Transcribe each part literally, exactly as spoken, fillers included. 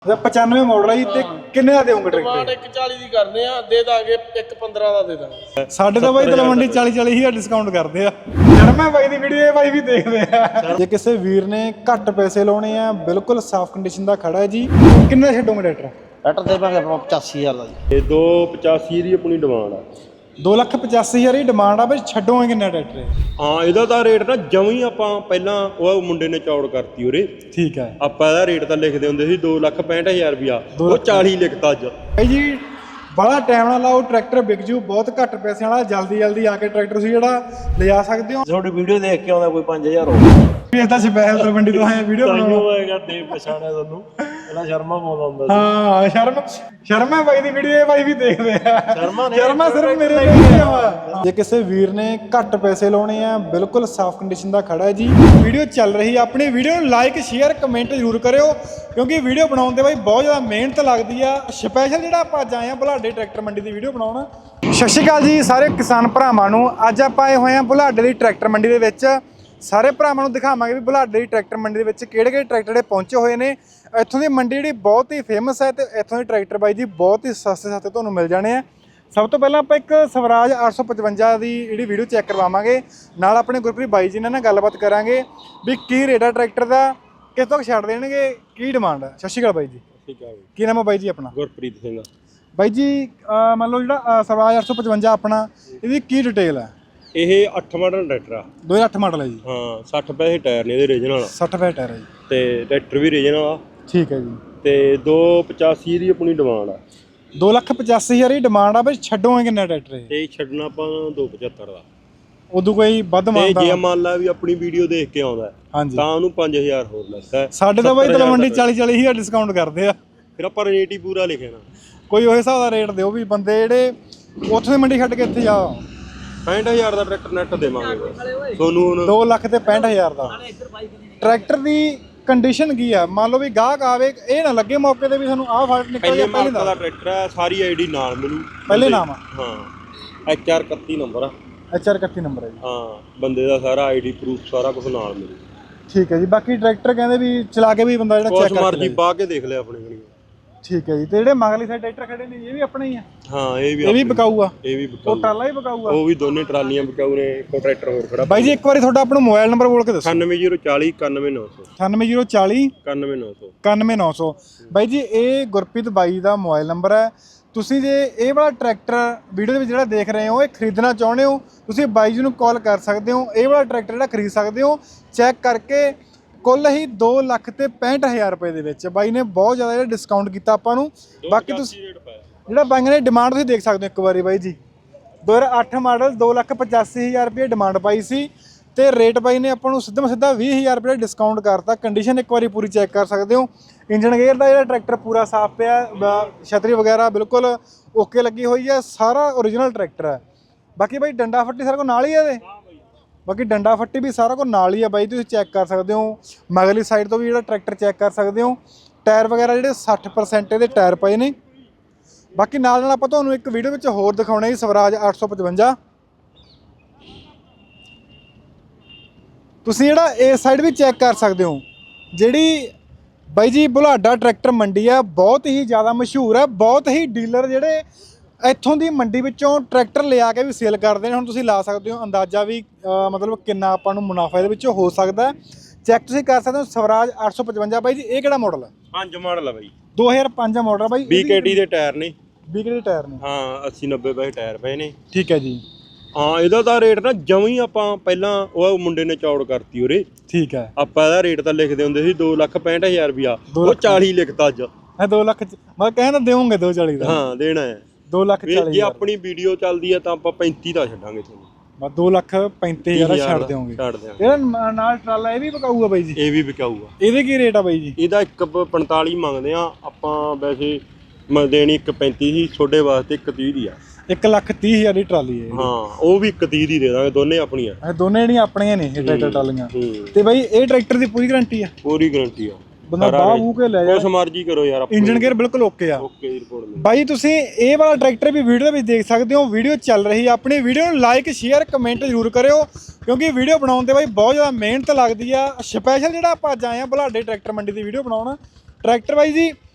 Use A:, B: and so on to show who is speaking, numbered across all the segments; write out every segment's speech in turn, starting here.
A: पचानवे मॉडल है जी ते किन्ने दा देओगे
B: डिमांड
A: ट्रैक्टर?
B: एक चाली दी करने आ दे दांगे एक पंद्रह दा दे दांगे
A: साढ़े तो भाई तलवंडी चाली चाली हज़ार डिस्काउंट करते हैं। शर्मा भाई दी वीडियो ये भाई भी देखते हैं। जे किसी वीर ने घट पैसे लाने हैं बिल्कुल साफ कंडीशन दा खड़ा है जी, किन्ने छड्डोगे ट्रैक्टर?
C: ट्रैक्टर देवांगे ਆਪਾਂ पचासी हज़ार ਦਾ ਜੀ।
D: ਇਹ ਦੋ ਪਚਾਸੀ ਦੀ ਆਪਣੀ ਡਿਮਾਂਡ ਆ।
A: दो लख पचासी हज़ार ही डिमांड आ, भाई छड्डोगे किन्ना ट्रैक्टर?
D: ਹਾਂ ਇਹਦਾ ਤਾਂ ਰੇਟ ਨਾ ਜਮਾਂ ਹੀ ਆਪਾਂ ਪਹਿਲਾਂ ਉਹ ਮੁੰਡੇ ਨੇ ਚੌੜ ਕਰਤੀ ਉਰੇ।
A: ठीक है
D: ਆਪਾਂ ਇਹਦਾ ਰੇਟ ਤਾਂ ਲਿਖਦੇ ਹੁੰਦੇ ਸੀ ਦੋ ਲੱਖ ਪੈਂਹਠ ਹਜ਼ਾਰ ਰੁਪਿਆ, ਉਹ ਚਾਲੀ ਲਿਖਤਾ ਅੱਜ।
A: भाई जी बड़ा टाइम ना लाओ, ट्रैक्टर बिक जू बहुत घट पैसे वाला, जल्दी जल्दी आके ट्रैक्टर तुसीं ਜਿਹੜਾ ਲਿਜਾ ਸਕਦੇ ਹੋ।
C: ਤੁਹਾਡੀ ਵੀਡੀਓ ਦੇਖ ਕੇ ਆਉਂਦਾ ਕੋਈ ਪੰਜ ਹਜ਼ਾਰ ਹੋ
A: ਇਹ ਤਾਂ ਸਪੈਸ਼ਲ ਤਲਵੰਡੀ ਤੋਂ ਆਏ ਵੀਡੀਓ ਬਣਾਉਣਾ
C: ਹੋਏਗਾ ਦੇ ਪਛਾਣਿਆ ਤੁਹਾਨੂੰ ਪਹਿਲਾਂ ਸ਼ਰਮਾ ਪਾਉਂਦਾ ਹੁੰਦਾ ਸੀ।
A: ਹਾਂ ਸ਼ਰਮ ਸ਼ਰਮਾ ਬਾਈ ਦੀ ਵੀਡੀਓ ਇਹ ਬਾਈ ਵੀ ਦੇਖਦੇ ਆ।
C: ਸ਼ਰਮਾ ਨੇ
A: ਸ਼ਰਮਾ ਸਿਰਫ ਮੇਰੇ ਲਈ ਆ। ਜੇ ਕਿਸੇ ਵੀਰ ਨੇ ਘੱਟ ਪੈਸੇ ਲਾਉਣੇ ਆ ਬਿਲਕੁਲ ਸਾਫ਼ ਕੰਡੀਸ਼ਨ ਦਾ ਖੜਾ ਹੈ ਜੀ। ਵੀਡੀਓ ਚੱਲ ਰਹੀ ਆ, ਆਪਣੀ ਵੀਡੀਓ ਨੂੰ ਲਾਈਕ ਸ਼ੇਅਰ ਕਮੈਂਟ ਜ਼ਰੂਰ ਕਰਿਓ ਕਿਉਂਕਿ ਵੀਡੀਓ ਬਣਾਉਣ ਦੇ ਬਾਈ ਬਹੁਤ ਜ਼ਿਆਦਾ ਮਿਹਨਤ ਲੱਗਦੀ ਆ। ਸਪੈਸ਼ਲ ਜਿਹੜਾ ਆਪਾਂ ਅੱਜ ਆਏ ਆ ਬੁਲਾਡੇ ਟਰੈਕਟਰ ਮੰਡੀ ਦੀ ਵੀਡੀਓ ਬਣਾਉਣ। ਸਤਿ ਸ਼੍ਰੀ ਅਕਾਲ ਜੀ ਸਾਰੇ ਕਿਸਾਨ ਭਰਾਵਾਂ ਨੂੰ। ਅੱਜ ਆਪਾਂ ਆਏ ਹੋਏ ਆ ਬੁਲਾਡੇ ਦੀ ਟਰੈਕਟਰ ਮੰਡੀ ਦੇ ਵਿੱਚ। ਸਾਰੇ ਭਰਾਵਾਂ ਨੂੰ ਦਿਖਾਵਾਂਗੇ ਵੀ ਬੁਲਾਡੇ ਦੀ ਟਰੈਕਟਰ ਮੰਡੀ ਦੇ ਵਿੱਚ ਕਿਹੜੇ ਕਿਹੜੇ ਟਰੈਕਟਰ ਜਿਹੜੇ ਪਹੁੰਚੇ ਹੋਏ ਨੇ। ਇੱਥੋਂ ਦੀ ਮੰਡੀ ਜਿਹੜੀ ਬਹੁਤ ਹੀ ਫੇਮਸ ਹੈ ਤੇ ਇੱਥੋਂ ਦੇ ਟਰੈਕਟਰ ਬਾਈ ਜੀ ਬਹੁਤ ਹੀ ਸਸਤੇ ਸਸਤੇ ਤੁਹਾਨੂੰ ਮਿਲ ਜਾਣੇ ਆ। ਸਭ ਤੋਂ ਪਹਿਲਾਂ ਆਪਾਂ ਇੱਕ ਸਵਰਾਜ ਅੱਠ ਸੌ ਪਚਵੰਜਾ ਦੀ ਜਿਹੜੀ ਵੀਡੀਓ ਚੈੱਕ ਕਰਵਾਵਾਂਗੇ, ਨਾਲ ਆਪਣੇ ਗੁਰਪ੍ਰੀਤ ਬਾਈ ਜੀ ਨਾਲ ਗੱਲਬਾਤ ਕਰਾਂਗੇ ਵੀ ਕੀ ਰੇਟ ਆ ਟਰੈਕਟਰ ਦਾ, ਕਿਸ ਤੋਂ ਛੱਡ ਦੇਣਗੇ, ਕੀ ਡਿਮਾਂਡ ਹੈ। ਸਤਿ ਸ਼੍ਰੀ ਅਕਾਲ ਬਾਈ ਜੀ।
D: ਠੀਕ ਆ
A: ਕੀ ਨਾਮ ਹੈ ਬਾਈ ਜੀ ਆਪਣਾ?
D: ਗੁਰਪ੍ਰੀਤ ਸਿੰਘ।
A: ਬਾਈ ਜੀ ਮੰਨ ਲਓ ਜਿਹੜਾ ਸਵਰਾਜ ਅੱਠ ਸੌ ਪਚਵੰਜਾ ਆਪਣਾ, ਇਹਦੀ ਕੀ ਡਿਟੇਲ ਹੈ?
D: ਇਹ ਅੱਠ ਮਾਡਲ ਟਰੈਕਟਰ ਆ।
A: ਦੋ ਹਜ਼ਾਰ ਅੱਠ ਮਾਡਲ ਹੈ ਜੀ।
D: ਹਾਂ ਸੱਠ ਪੈਸੇ ਟਾਇਰ ਨੇ ਇਹਦੇ ਰੀਜਨਲ,
A: ਸੱਠ ਪੈਸੇ ਟਾਇਰ ਹੈ ਜੀ।
D: ਤੇ ਟਰੈਕਟਰ ਵੀ ਰੀਜਨਲ ਆ।
A: ਠੀਕ ਹੈ ਜੀ।
D: ਤੇ ਦੋ ਪਚਾਸੀ ਦੀ ਆਪਣੀ ਡਿਮਾਂਡ ਆ।
A: ਦੋ ਲੱਖ ਪਚਾਸੀ ਹਜ਼ਾਰ ਦੀ ਡਿਮਾਂਡ ਆ। ਬਈ ਛੱਡੋਗੇ ਕਿੰਨਾ ਟਰੈਕਟਰ ਇਹ?
D: ਤੇ ਛੱਡਣਾ ਆਪਾਂ ਦੋ ਪਚੱਤਰ ਦਾ।
A: ਉਦੋਂ ਕੋਈ ਵੱਧ
D: ਤੇ
A: ਮੰਗਦਾ
D: ਜੇ ਮੰਨ ਲਾ ਵੀ ਆਪਣੀ ਵੀਡੀਓ ਦੇਖ ਕੇ ਆਉਂਦਾ
A: ਹਾਂਜੀ
D: ਤਾਂ ਉਹਨੂੰ ਪੰਜ ਹਜ਼ਾਰ ਹੋਰ ਲੈਂਦਾ।
A: ਸਾਡੇ ਤਾਂ ਬਾਈ ਤਲਵੰਡੀ ਚਾਲੀ ਚਾਲੀ ਹਜ਼ਾਰ ਡਿਸਕਾਊਂਟ ਕਰਦੇ ਆ।
D: ਫਿਰ ਆਪਾਂ ਰੇਟ ਹੀ ਪੂਰਾ ਲਿਖਿਆ ਨਾ,
A: ਕੋਈ ਉਹ ਹਿਸਾਬ ਦਾ ਰੇਟ ਦਿਓ ਵੀ ਬੰਦੇ ਜਿਹੜੇ ਉੱਥੋਂ ਦੀ ਮੰਡੀ ਛੱਡ ਕੇ ਇੱਥੇ ਜਾ।
D: ਪੈਂਹਠ ਹਜ਼ਾਰ ਦਾ ਟਰੈਕਟਰ ਨੈਟ ਦੇਵਾਂਗੇ ਤੁਹਾਨੂੰ ਹੁਣ।
A: ਦੋ ਲੱਖ ਤੇ ਪੈਂਹਠ ਹਜ਼ਾਰ ਦਾ ਟਰੈਕਟਰ ਦੀ ਕੰਡੀਸ਼ਨ ਕੀ ਆ? ਮੰਨ ਲਓ ਵੀ ਗਾਹਕ ਆਵੇ, ਇਹ ਨਾ ਲੱਗੇ ਮੌਕੇ ਤੇ ਵੀ ਸਾਨੂੰ ਆਹ ਫਾਲਟ ਨਿਕਲ
D: ਪਹਿਲੇ
A: ਗਿਆ।
D: ਮਾਡਲ ਦਾ ਟਰੈਕਟਰ ਹੈ, ਸਾਰੀ ਆਈਡੀ ਨਾਲ ਮਿਲੂ।
A: ਪਹਿਲੇ ਨਾਮ ਆ?
D: ਹਾਂ ਐਚ ਆਰ ਇਕੱਤੀ ਨੰਬਰ ਆ।
A: ਐਚ ਆਰ ਇਕੱਤੀ ਨੰਬਰ ਹੈ ਜੀ।
D: ਹਾਂ ਬੰਦੇ ਦਾ ਸਾਰਾ ਆਈਡੀ ਪ੍ਰੂਫ ਸਾਰਾ ਕੁਝ ਨਾਲ ਮਿਲੂ।
A: ਠੀਕ ਹੈ ਜੀ। ਬਾਕੀ ਟਰੈਕਟਰ ਕਹਿੰਦੇ ਵੀ ਚਲਾ ਕੇ ਵੀ ਬੰਦਾ ਜਿਹੜਾ ਚੈੱਕ
D: ਕੁਛ
A: ਕਰ
D: ਮਰਜੀ ਪਾ ਕੇ ਦੇਖ ਲਿਆ ਆਪਣੇ ਕੋਲ।
A: ਠੀਕ ਹੈ ਜੀ। ਤੇ ਜਿਹੜੇ ਮਗਲੀ ਸਾਈਡ ਟਰੈਕਟਰ ਖੜੇ ਨੇ ਇਹ ਵੀ ਆਪਣੇ ਹੀ ਆ?
D: ਹਾਂ ਇਹ ਵੀ
A: ਇਹ ਵੀ ਬਕਾਊ ਆ?
D: ਇਹ ਵੀ
A: ਉਹ
D: ਬਕਾਊ,
A: ਟਰਾਲਾ ਹੀ ਬਕਾਊ ਆ?
D: ਉਹ ਵੀ ਦੋਨੇ ਟਰਾਲੀਆਂ ਬਕਾਊ ਨੇ। ਇੱਕੋ ਟਰੈਕਟਰ ਹੋਰ ਖੜਾ।
A: ਬਾਈ ਜੀ ਇੱਕ ਵਾਰੀ ਤੁਹਾਡਾ ਆਪਣਾ ਮੋਬਾਈਲ ਨੰਬਰ ਬੋਲ ਕੇ ਦੱਸੋ।
D: ਅਠਾਨਵੇਂ ਜ਼ੀਰੋ ਚਾਲੀ ਇਕਾਨਵੇਂ ਨੌ ਸੌ
A: ਅਠਾਨਵੇਂ ਜ਼ੀਰੋ ਚਾਲੀ
D: ਇਕਾਨਵੇਂ ਨੌ ਸੌ
A: ਇਕਾਨਵੇਂ ਨੌ ਸੌ। ਬਾਈ ਜੀ ਇਹ ਗੁਰਪ੍ਰੀਤ ਬਾਈ ਦਾ ਮੋਬਾਈਲ ਨੰਬਰ ਹੈ। ਤੁਸੀਂ ਜੇ ਇਹ ਵਾਲਾ ਟਰੈਕਟਰ ਵੀਡੀਓ ਦੇ ਵਿੱਚ ਜਿਹੜਾ ਦੇਖ ਰਹੇ ਹੋ ਇਹ ਖਰੀਦਣਾ ਚਾਹੁੰਦੇ ਹੋ, ਤੁਸੀਂ ਬਾਈ ਜੀ ਨੂੰ ਕਾਲ ਕਰ ਸਕਦੇ ਹੋ। ਇਹ ਵਾਲਾ ਟਰੈਕਟਰ ਜਿਹੜਾ ਖਰੀਦ ਸਕਦੇ ਹੋ ਚੈੱਕ ਕਰਕੇ। ਕੁੱਲ ਹੀ ਦੋ ਲੱਖ ਤੇ ਪੈਂਹਠ ਹਜ਼ਾਰ ਰੁਪਏ ਦੇ ਵਿੱਚ ਬਾਈ ਨੇ ਬਹੁਤ ਜ਼ਿਆਦਾ ਜਿਹੜਾ ਡਿਸਕਾਊਂਟ ਕੀਤਾ ਆਪਾਂ ਨੂੰ। ਬਾਕੀ ਤੁਸੀਂ ਜਿਹੜਾ ਬਾਈਆਂ ਨੇ ਡਿਮਾਂਡ ਤੁਸੀਂ ਦੇਖ ਸਕਦੇ ਹੋ ਇੱਕ ਵਾਰੀ ਬਾਈ ਜੀ। ਦੋ ਹਜ਼ਾਰ ਅੱਠ ਮਾਡਲ ਦੋ ਲੱਖ ਪਚਾਸੀ ਹਜ਼ਾਰ ਰੁਪਏ ਡਿਮਾਂਡ ਪਾਈ ਸੀ ਤੇ ਰੇਟ ਬਾਈ ਨੇ ਆਪਾਂ ਨੂੰ ਸਿੱਧਾ ਸਿੱਧਾ ਵੀਹ ਹਜ਼ਾਰ ਰੁਪਏ ਡਿਸਕਾਊਂਟ ਕਰਤਾ। ਕੰਡੀਸ਼ਨ ਇੱਕ ਵਾਰੀ ਪੂਰੀ ਚੈੱਕ ਕਰ ਸਕਦੇ ਹੋ। ਇੰਜਨ ਗੇਅਰ ਦਾ ਜਿਹੜਾ ਟਰੈਕਟਰ ਪੂਰਾ ਸਾਫ਼ ਪਿਆ, ਛਤਰੀ ਵਗੈਰਾ ਬਿਲਕੁਲ ਓਕੇ ਲੱਗੀ ਹੋਈ ਹੈ, ਸਾਰਾ ਓਰੀਜਨਲ ਟਰੈਕਟਰ ਹੈ। ਬਾਕੀ ਬਾਈ ਡੰਡਾ ਫੱਟੀ ਸਾਰਾ ਕੁਝ ਨਾਲ ਹੀ ਹੈ ਇਹਦੇ। ਬਾਕੀ ਡੰਡਾ ਫੱਟੀ ਵੀ ਸਾਰਾ ਕੁਝ ਨਾਲ ਹੀ ਆ ਬਾਈ, ਤੁਸੀਂ ਚੈੱਕ ਕਰ ਸਕਦੇ ਹੋ। ਮਗਲੀ ਸਾਈਡ ਤੋਂ ਵੀ ਜਿਹੜਾ ਟਰੈਕਟਰ ਚੈੱਕ ਕਰ ਸਕਦੇ ਹੋ। ਟਾਇਰ ਵਗੈਰਾ ਜਿਹੜੇ ਸੱਠ ਪਰਸੈਂਟ ਇਹਦੇ ਟਾਇਰ ਪਏ ਨੇ। ਬਾਕੀ ਨਾਲ ਨਾਲ ਆਪਾਂ ਤੁਹਾਨੂੰ ਇੱਕ ਵੀਡੀਓ ਵਿੱਚ ਹੋਰ ਦਿਖਾਉਣਾ ਜੀ ਸਵਰਾਜ ਅੱਠ ਸੌ ਪਚਵੰਜਾ। ਤੁਸੀਂ ਜਿਹੜਾ ਇਸ ਸਾਈਡ ਵੀ ਚੈੱਕ ਕਰ ਸਕਦੇ ਹੋ। ਜਿਹੜੀ ਬਾਈ ਜੀ ਬੁਲਾਡਾ ਟਰੈਕਟਰ ਮੰਡੀ ਆ ਬਹੁਤ ਹੀ ਜ਼ਿਆਦਾ ਮਸ਼ਹੂਰ ਹੈ। ਬਹੁਤ ਹੀ ਡੀਲਰ ਜਿਹੜੇ ਇੱਥੋਂ ਦੀ ਮੰਡੀ ਵਿੱਚੋਂ ਟਰੈਕਟਰ ਲਿਆ ਕੇ ਵੀ ਸੇਲ ਕਰਦੇ ਨੇ। ਹੁਣ ਤੁਸੀਂ ਲਾ ਸਕਦੇ ਹੋ ਅੰਦਾਜ਼ਾ ਵੀ ਮਤਲਬ ਕਿੰਨਾ ਆਪਾਂ ਨੂੰ ਮੁਨਾਫਾ ਇਹਦੇ ਵਿੱਚੋਂ ਹੋ ਸਕਦਾ। ਚੈੱਕ ਤੁਸੀਂ ਕਰ ਸਕਦੇ ਹੋ ਸਵਰਾਜ ਅੱਠ ਸੌ ਪਚਵੰਜਾ। ਬਾਈ ਜੀ ਇਹ ਕਿਹੜਾ ਮਾਡਲ ਹੈ?
D: ਪੰਜ ਮਾਡਲ ਆ ਬਾਈ,
A: ਦੋ ਹਜ਼ਾਰ ਪੰਜ ਮਾਡਲ ਬਾਈ।
D: ਬੀ ਕੇ ਟੀ ਦੇ ਟਾਇਰ ਨੇ।
A: ਬੀ ਕੇ ਟੀ ਦੇ ਟਾਇਰ ਨੇ?
D: ਹਾਂ ਅੱਸੀ ਨੱਬੇ ਪੈਸੇ ਟਾਇਰ ਪਏ ਨੇ।
A: ਠੀਕ ਹੈ ਜੀ।
D: ਹਾਂ ਇਹਦਾ ਤਾਂ ਰੇਟ ਨਾ ਜਮਾਂ ਹੀ ਆਪਾਂ ਪਹਿਲਾਂ ਉਹ ਮੁੰਡੇ ਨੇ ਚੌੜ ਕਰਤੀ ਉਰੇ।
A: ਠੀਕ ਹੈ।
D: ਆਪਾਂ ਇਹਦਾ ਰੇਟ ਤਾਂ ਲਿਖਦੇ ਹੁੰਦੇ ਸੀ ਦੋ ਲੱਖ ਪੈਂਹਠ ਹਜ਼ਾਰ ਰੁਪਿਆ, ਉਹ ਚਾਲੀ ਲਿਖਤਾ ਅੱਜ।
A: ਇਹ ਦੋ ਲੱਖ ਮੈਂ ਕਹਿੰਦਾ ਦੇਵੋਗੇ ਦੋ ਚਾਲੀ ਦਾ?
D: ਹਾਂ ਦੇਣਾ ਹੈ।
A: ਦੋ ਲੱਖ ਚਾਲੀ
D: ਜੇ ਆਪਣੀ ਵੀਡੀਓ ਚੱਲਦੀ ਹੈ ਤਾਂ ਆਪਾਂ ਪੈਂਤੀ ਦਾ ਛੱਡਾਂਗੇ ਤੁਹਾਨੂੰ।
A: ਬਸ ਦੋ ਲੱਖ ਪੈਂਤੀ ਹਜ਼ਾਰ ਛੱਡ ਦਿਓਗੇ?
D: ਛੱਡ ਦਿਆਂਗੇ।
A: ਇਹਦਾ ਨਾਲ ਟਰਾਲਾ ਇਹ ਵੀ ਵਿਕਾਊਗਾ ਬਾਈ ਜੀ?
D: ਇਹ ਵੀ ਵਿਕਾਊਗਾ।
A: ਇਹਦੇ ਕੀ ਰੇਟ ਆ ਬਾਈ ਜੀ?
D: ਇਹਦਾ ਇੱਕ ਪੰਤਾਲੀ ਮੰਗਦੇ ਆ ਆਪਾਂ, ਵੈਸੇ ਮੈਂ ਦੇਣੀ ਇੱਕ ਪੈਂਤੀ ਸੀ, ਤੁਹਾਡੇ ਵਾਸਤੇ ਇੱਕ ਤੀਹ ਦੀ ਆ।
A: ਇੱਕ ਲੱਖ ਤੀਹ ਹਜ਼ਾਰ ਦੀ ਟਰਾਲੀ ਹੈ?
D: ਹਾਂ ਉਹ ਵੀ ਇੱਕ ਤੀਹ ਦੀ ਦੇ ਦਾਂਗੇ, ਦੋਨੇ ਆਪਣੀਆਂ।
A: ਇਹ ਦੋਨੇ ਜਿਹੜੀਆਂ ਆਪਣੀਆਂ ਨੇ ਇਹ ਟਰੈਕਟਰ ਟਰਾਲੀਆਂ। ਤੇ ਬਾਈ ਇਹ ਟਰੈਕਟਰ ਦੀ ਪੂਰੀ ਗਾਰੰਟੀ ਆ?
D: ਪੂਰੀ ਗਾਰੰਟੀ ਆ।
A: ਬੰਦਾ ਬਾਹ ਬੂ ਕੇ ਲੈ ਜਾ,
D: ਕੁਛ ਮਰਜ਼ੀ ਕਰੋ ਯਾਰ।
A: ਇੰਜਨ ਗੇਅਰ ਬਿਲਕੁਲ ਓਕੇ ਆ?
D: ਓਕੇ ਦੀ ਰਿਪੋਰਟ ਮਿਲ।
A: ਬਾਈ ਤੁਸੀਂ ਇਹ ਵਾਲਾ ਟਰੈਕਟਰ ਵੀ ਵੀਡੀਓ ਦੇ ਵਿੱਚ ਦੇਖ ਸਕਦੇ ਹੋ। ਵੀਡੀਓ ਚੱਲ ਰਹੀ ਆ, ਆਪਣੀ ਵੀਡੀਓ ਨੂੰ ਲਾਈਕ ਸ਼ੇਅਰ ਕਮੈਂਟ ਜ਼ਰੂਰ ਕਰਿਓ ਕਿਉਂਕਿ ਵੀਡੀਓ ਬਣਾਉਣ ਦੇ ਬਾਈ ਬਹੁਤ ਜ਼ਿਆਦਾ ਮਿਹਨਤ ਲੱਗਦੀ ਆ। ਸਪੈਸ਼ਲ ਜਿਹੜਾ ਆਪਾਂ ਅੱਜ ਆਏ ਆ ਬੁਲਾਡੇ ਟਰੈਕਟਰ ਮੰਡੀ ਦੀ ਵੀਡੀਓ ਬਣਾਉਣ। ਟਰੈਕਟਰ ਬਾਈ ਜੀ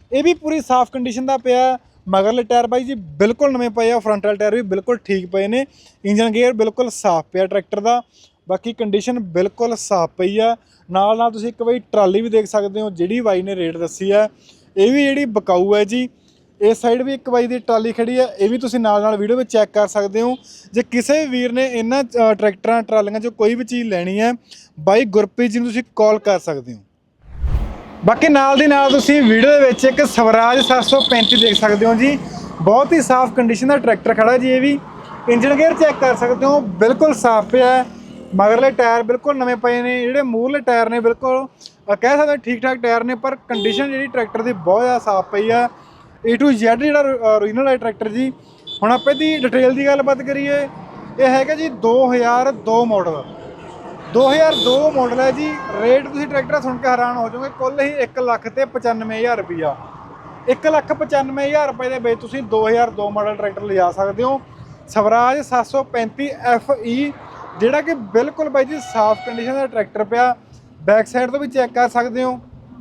A: ਇਹ ਵੀ ਪੂਰੀ ਸਾਫ਼ ਕੰਡੀਸ਼ਨ ਦਾ ਪਿਆ। ਮਗਰਲੇ ਟਾਇਰ ਬਾਈ ਜੀ ਬਿਲਕੁਲ ਨਵੇਂ ਪਏ ਆ, ਫਰੰਟ ਵਾਲੇ ਟਾਇਰ ਵੀ ਬਿਲਕੁਲ ਠੀਕ ਪਏ ਨੇ। ਇੰਜਨ ਗੇਅਰ ਬਿਲਕੁਲ ਸਾਫ਼ ਪਿਆ ਟਰੈਕਟਰ ਦਾ। ਬਾਕੀ ਕੰਡੀਸ਼ਨ ਬਿਲਕੁਲ ਸਾਫ਼ ਪਈ ਆ। ਨਾਲ ਨਾਲ ਤੁਸੀਂ ਇੱਕ ਵਾਰੀ ਟਰਾਲੀ ਵੀ ਦੇਖ ਸਕਦੇ ਹੋ, ਜਿਹੜੀ ਬਾਈ ਨੇ ਰੇਟ ਦੱਸੀ ਆ ਇਹ ਵੀ ਜਿਹੜੀ ਬਕਾਊ ਹੈ ਜੀ। ਇਸ ਸਾਈਡ ਵੀ ਇੱਕ ਬਾਈ ਦੀ ਟਰਾਲੀ ਖੜੀ ਆ, ਇਹ ਵੀ ਤੁਸੀਂ ਨਾਲ ਨਾਲ ਵੀਡੀਓ ਵਿੱਚ ਚੈੱਕ ਕਰ ਸਕਦੇ ਹੋ। ਜੇ ਕਿਸੇ ਵੀ ਵੀਰ ਨੇ ਇਹਨਾਂ ਟਰੈਕਟਰਾਂ ਟਰਾਲੀਆਂ 'ਚੋਂ ਕੋਈ ਵੀ ਚੀਜ਼ ਲੈਣੀ ਹੈ, ਬਾਈ ਗੁਰਪ੍ਰੀਤ ਜੀ ਨੂੰ ਤੁਸੀਂ ਕਾਲ ਕਰ ਸਕਦੇ ਹੋ। ਬਾਕੀ ਨਾਲ ਦੀ ਨਾਲ ਤੁਸੀਂ ਵੀਡੀਓ ਦੇ ਵਿੱਚ ਇੱਕ ਸਵਰਾਜ ਸੱਤ ਸੌ ਪੈਂਤੀ ਦੇਖ ਸਕਦੇ ਹੋ ਜੀ। ਬਹੁਤ ਹੀ ਸਾਫ਼ ਕੰਡੀਸ਼ਨ ਦਾ ਟਰੈਕਟਰ ਖੜਾ ਜੀ। ਇਹ ਵੀ ਇੰਜਨ ਗੇਅਰ ਚੈੱਕ ਕਰ ਸਕਦੇ ਹੋ, ਬਿਲਕੁਲ ਸਾਫ਼ ਪਿਆ। ਮਗਰਲੇ ਟਾਇਰ ਬਿਲਕੁਲ ਨਵੇਂ ਪਏ ਨੇ। ਜਿਹੜੇ ਮੂਹਰਲੇ ਟਾਇਰ ਨੇ ਬਿਲਕੁਲ ਕਹਿ ਸਕਦੇ ਠੀਕ ਠਾਕ ਟਾਇਰ ਨੇ, ਪਰ ਕੰਡੀਸ਼ਨ ਜਿਹੜੀ ਟਰੈਕਟਰ ਦੀ ਬਹੁਤ ਜ਼ਿਆਦਾ ਸਾਫ਼ ਪਈ ਆ। ਏ ਟੂ ਜ਼ੈਡ ਜਿਹੜਾ ਓਰੀਜਨਲ ਹੈ ਟਰੈਕਟਰ ਜੀ। ਹੁਣ ਆਪਾਂ ਇਹਦੀ ਡਿਟੇਲ ਦੀ ਗੱਲਬਾਤ ਕਰੀਏ, ਇਹ ਹੈਗਾ ਜੀ ਦੋ ਹਜ਼ਾਰ ਦੋ ਮਾਡਲ। ਦੋ ਹਜ਼ਾਰ ਦੋ ਮਾਡਲ ਹੈ ਜੀ। ਰੇਟ ਤੁਸੀਂ ਟਰੈਕਟਰ ਸੁਣ ਕੇ ਹੈਰਾਨ ਹੋ ਜਾਓਗੇ, ਕੁੱਲ ਹੀ ਇੱਕ ਲੱਖ ਤੇ ਪਚਾਨਵੇਂ ਹਜ਼ਾਰ ਰੁਪਈਆ। ਇੱਕ ਲੱਖ ਪਚਾਨਵੇਂ ਹਜ਼ਾਰ ਰੁਪਏ ਦੇ ਵਿੱਚ ਤੁਸੀਂ ਦੋ ਹਜ਼ਾਰ ਦੋ ਮਾਡਲ ਟਰੈਕਟਰ ਲਿਜਾ ਸਕਦੇ ਹੋ। ਸਵਰਾਜ ਸੱਤ ਸੌ ਪੈਂਤੀ ਐਫ ਈ, ਜਿਹੜਾ ਕਿ ਬਿਲਕੁਲ ਬਾਈ ਜੀ ਸਾਫ਼ ਕੰਡੀਸ਼ਨ ਦਾ ਟਰੈਕਟਰ ਪਿਆ। ਬੈਕ ਸਾਈਡ ਤੋਂ ਵੀ ਚੈੱਕ ਕਰ ਸਕਦੇ ਹੋ।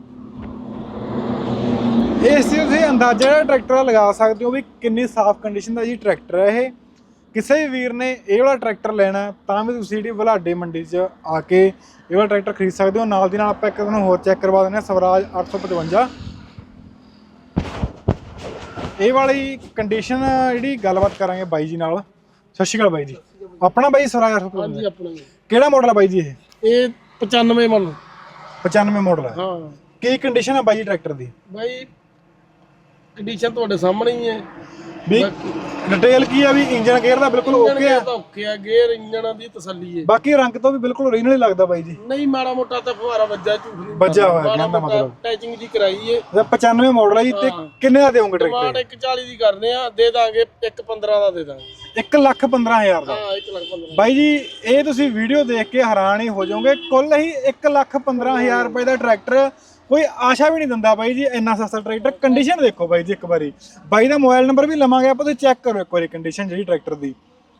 A: ਇਸ ਚੀਜ਼ ਤੁਸੀਂ ਅੰਦਾਜ਼ਾ ਜਿਹੜਾ ਟਰੈਕਟਰ ਲਗਾ ਸਕਦੇ ਹੋ ਵੀ ਕਿੰਨੀ ਸਾਫ਼ ਕੰਡੀਸ਼ਨ ਦਾ ਜੀ ਟਰੈਕਟਰ ਹੈ ਇਹ। ਕਿਸੇ ਵੀ ਵੀਰ ਨੇ ਇਹ ਵਾਲਾ ਟਰੈਕਟਰ ਲੈਣਾ ਤਾਂ ਵੀ ਤੁਸੀਂ ਜਿਹੜੀ ਬੁਲਾਡੇ ਮੰਡੀ 'ਚ ਆ ਕੇ ਇਹ ਵਾਲਾ ਟਰੈਕਟਰ ਖਰੀਦ ਸਕਦੇ ਹੋ। ਨਾਲ ਦੀ ਨਾਲ ਆਪਾਂ ਇੱਕ ਤੁਹਾਨੂੰ ਹੋਰ ਚੈੱਕ ਕਰਵਾ ਦਿੰਦੇ ਹਾਂ, ਸਵਰਾਜ ਅੱਠ ਸੌ ਪਚਵੰਜਾ। ਇਹ ਵਾਲੀ ਕੰਡੀਸ਼ਨ ਜਿਹੜੀ ਗੱਲਬਾਤ ਕਰਾਂਗੇ ਬਾਈ ਜੀ ਨਾਲ। ਸਤਿ ਸ਼੍ਰੀ ਅਕਾਲ ਬਾਈ ਜੀ। ਆਪਣਾ ਬਾਈ ਸਵਰਾਜ ਅੱਠ ਸੌ ਪਚਵੰਜਾ?
B: ਹਾਂਜੀ ਆਪਣਾ।
A: ਕਿਹੜਾ ਮਾਡਲ ਆ ਬਾਈ ਜੀ ਇਹ?
B: ਇਹ ਪਚਾਨਵੇਂ ਮੰਨ
A: ਪਚਾਨਵੇਂ ਮਾਡਲ ਹੈ।
B: ਹਾਂ।
A: ਕੀ ਕੰਡੀਸ਼ਨ ਹੈ ਬਾਈ ਜੀ ਟਰੈਕਟਰ ਦੀ?
B: ਬਾਈ ਕੰਡੀਸ਼ਨ ਤੁਹਾਡੇ ਸਾਹਮਣੇ ਹੀ ਹੈ।
A: ਵੀ ਡਿਟੇਲ ਕੀ ਆ ਵੀ ਇੰਜਨ ਗੇਅਰ ਦਾ ਬਿਲਕੁਲ ਓਕੇ ਆ?
B: ਓਕੇ ਆ, ਗੇਅਰ ਇੰਜਨ ਦੀ ਤਸੱਲੀ ਹੈ।
A: ਬਾਕੀ ਰੰਗ ਤੋਂ ਵੀ ਬਿਲਕੁਲ ਓਰੀਜਨਲ ਹੀ ਲੱਗਦਾ ਬਾਈ ਜੀ।
B: ਨਹੀਂ ਮਾੜਾ ਮੋਟਾ ਤਾਂ ਫੁਹਾਰਾ ਵੱਜਾ, ਝੂਠ ਨਹੀਂ
A: ਵੱਜਿਆ ਹੋਇਆ ਕਹਿੰਦਾ ਮਤਲਬ।
B: ਟੈਚਿੰਗ ਜੀ ਕਰਾਈ ਏ।
A: ਪਚਾਨਵੇਂ ਮਾਡਲ ਆ ਜੀ। ਤੇ ਕਿੰਨੇ ਦਾ ਦੇਵੋਗੇ
B: ਡਿਮਾਂਡ
A: ਟਰੈਕਟਰ?
B: ਇੱਕ ਚਾਲੀ ਦੀ ਕਰਦੇ ਆ, ਦੇ ਦਾਂਗੇ ਇੱਕ ਪੰਦਰਾਂ ਦਾ ਦੇ ਦਾਂਗੇ।
A: ਇੱਕ ਲੱਖ ਪੰਦਰਾਂ ਹਜ਼ਾਰ ਦਾ?
B: ਹਾਂ ਇੱਕ ਲੱਖ ਪੰਦਰਾਂ।
A: ਬਾਈ ਜੀ ਇਹ ਤੁਸੀਂ ਵੀਡੀਓ ਦੇਖ ਕੇ ਹੈਰਾਨ ਹੀ ਹੋ ਜਾਓਗੇ। ਕੁੱਲ ਹੀ ਇੱਕ ਲੱਖ ਪੰਦਰਾਂ ਹਜ਼ਾਰ ਰੁਪਏ ਦਾ ਟਰੈਕਟਰ। ਕੋਈ ਆਸ਼ਾ ਵੀ ਨਹੀਂ ਦਿੰਦਾ ਬਾਈ ਜੀ ਇੰਨਾ ਸਸਤਾ ਟਰੈਕਟਰ। ਕੰਡੀਸ਼ਨ ਦੇਖੋ ਬਾਈ ਜੀ ਇੱਕ ਵਾਰੀ। ਬਾਈ ਦਾ ਮੋਬਾਈਲ ਨੰਬਰ ਵੀ ਲਵਾਂਗੇ ਆਪਾਂ, ਤੁਸੀਂ ਚੈੱਕ ਕਰੋ ਇੱਕ ਵਾਰੀ ਕੰਡੀਸ਼ਨ ਜਿਹੜੀ ਟਰੈਕਟਰ ਦੀ।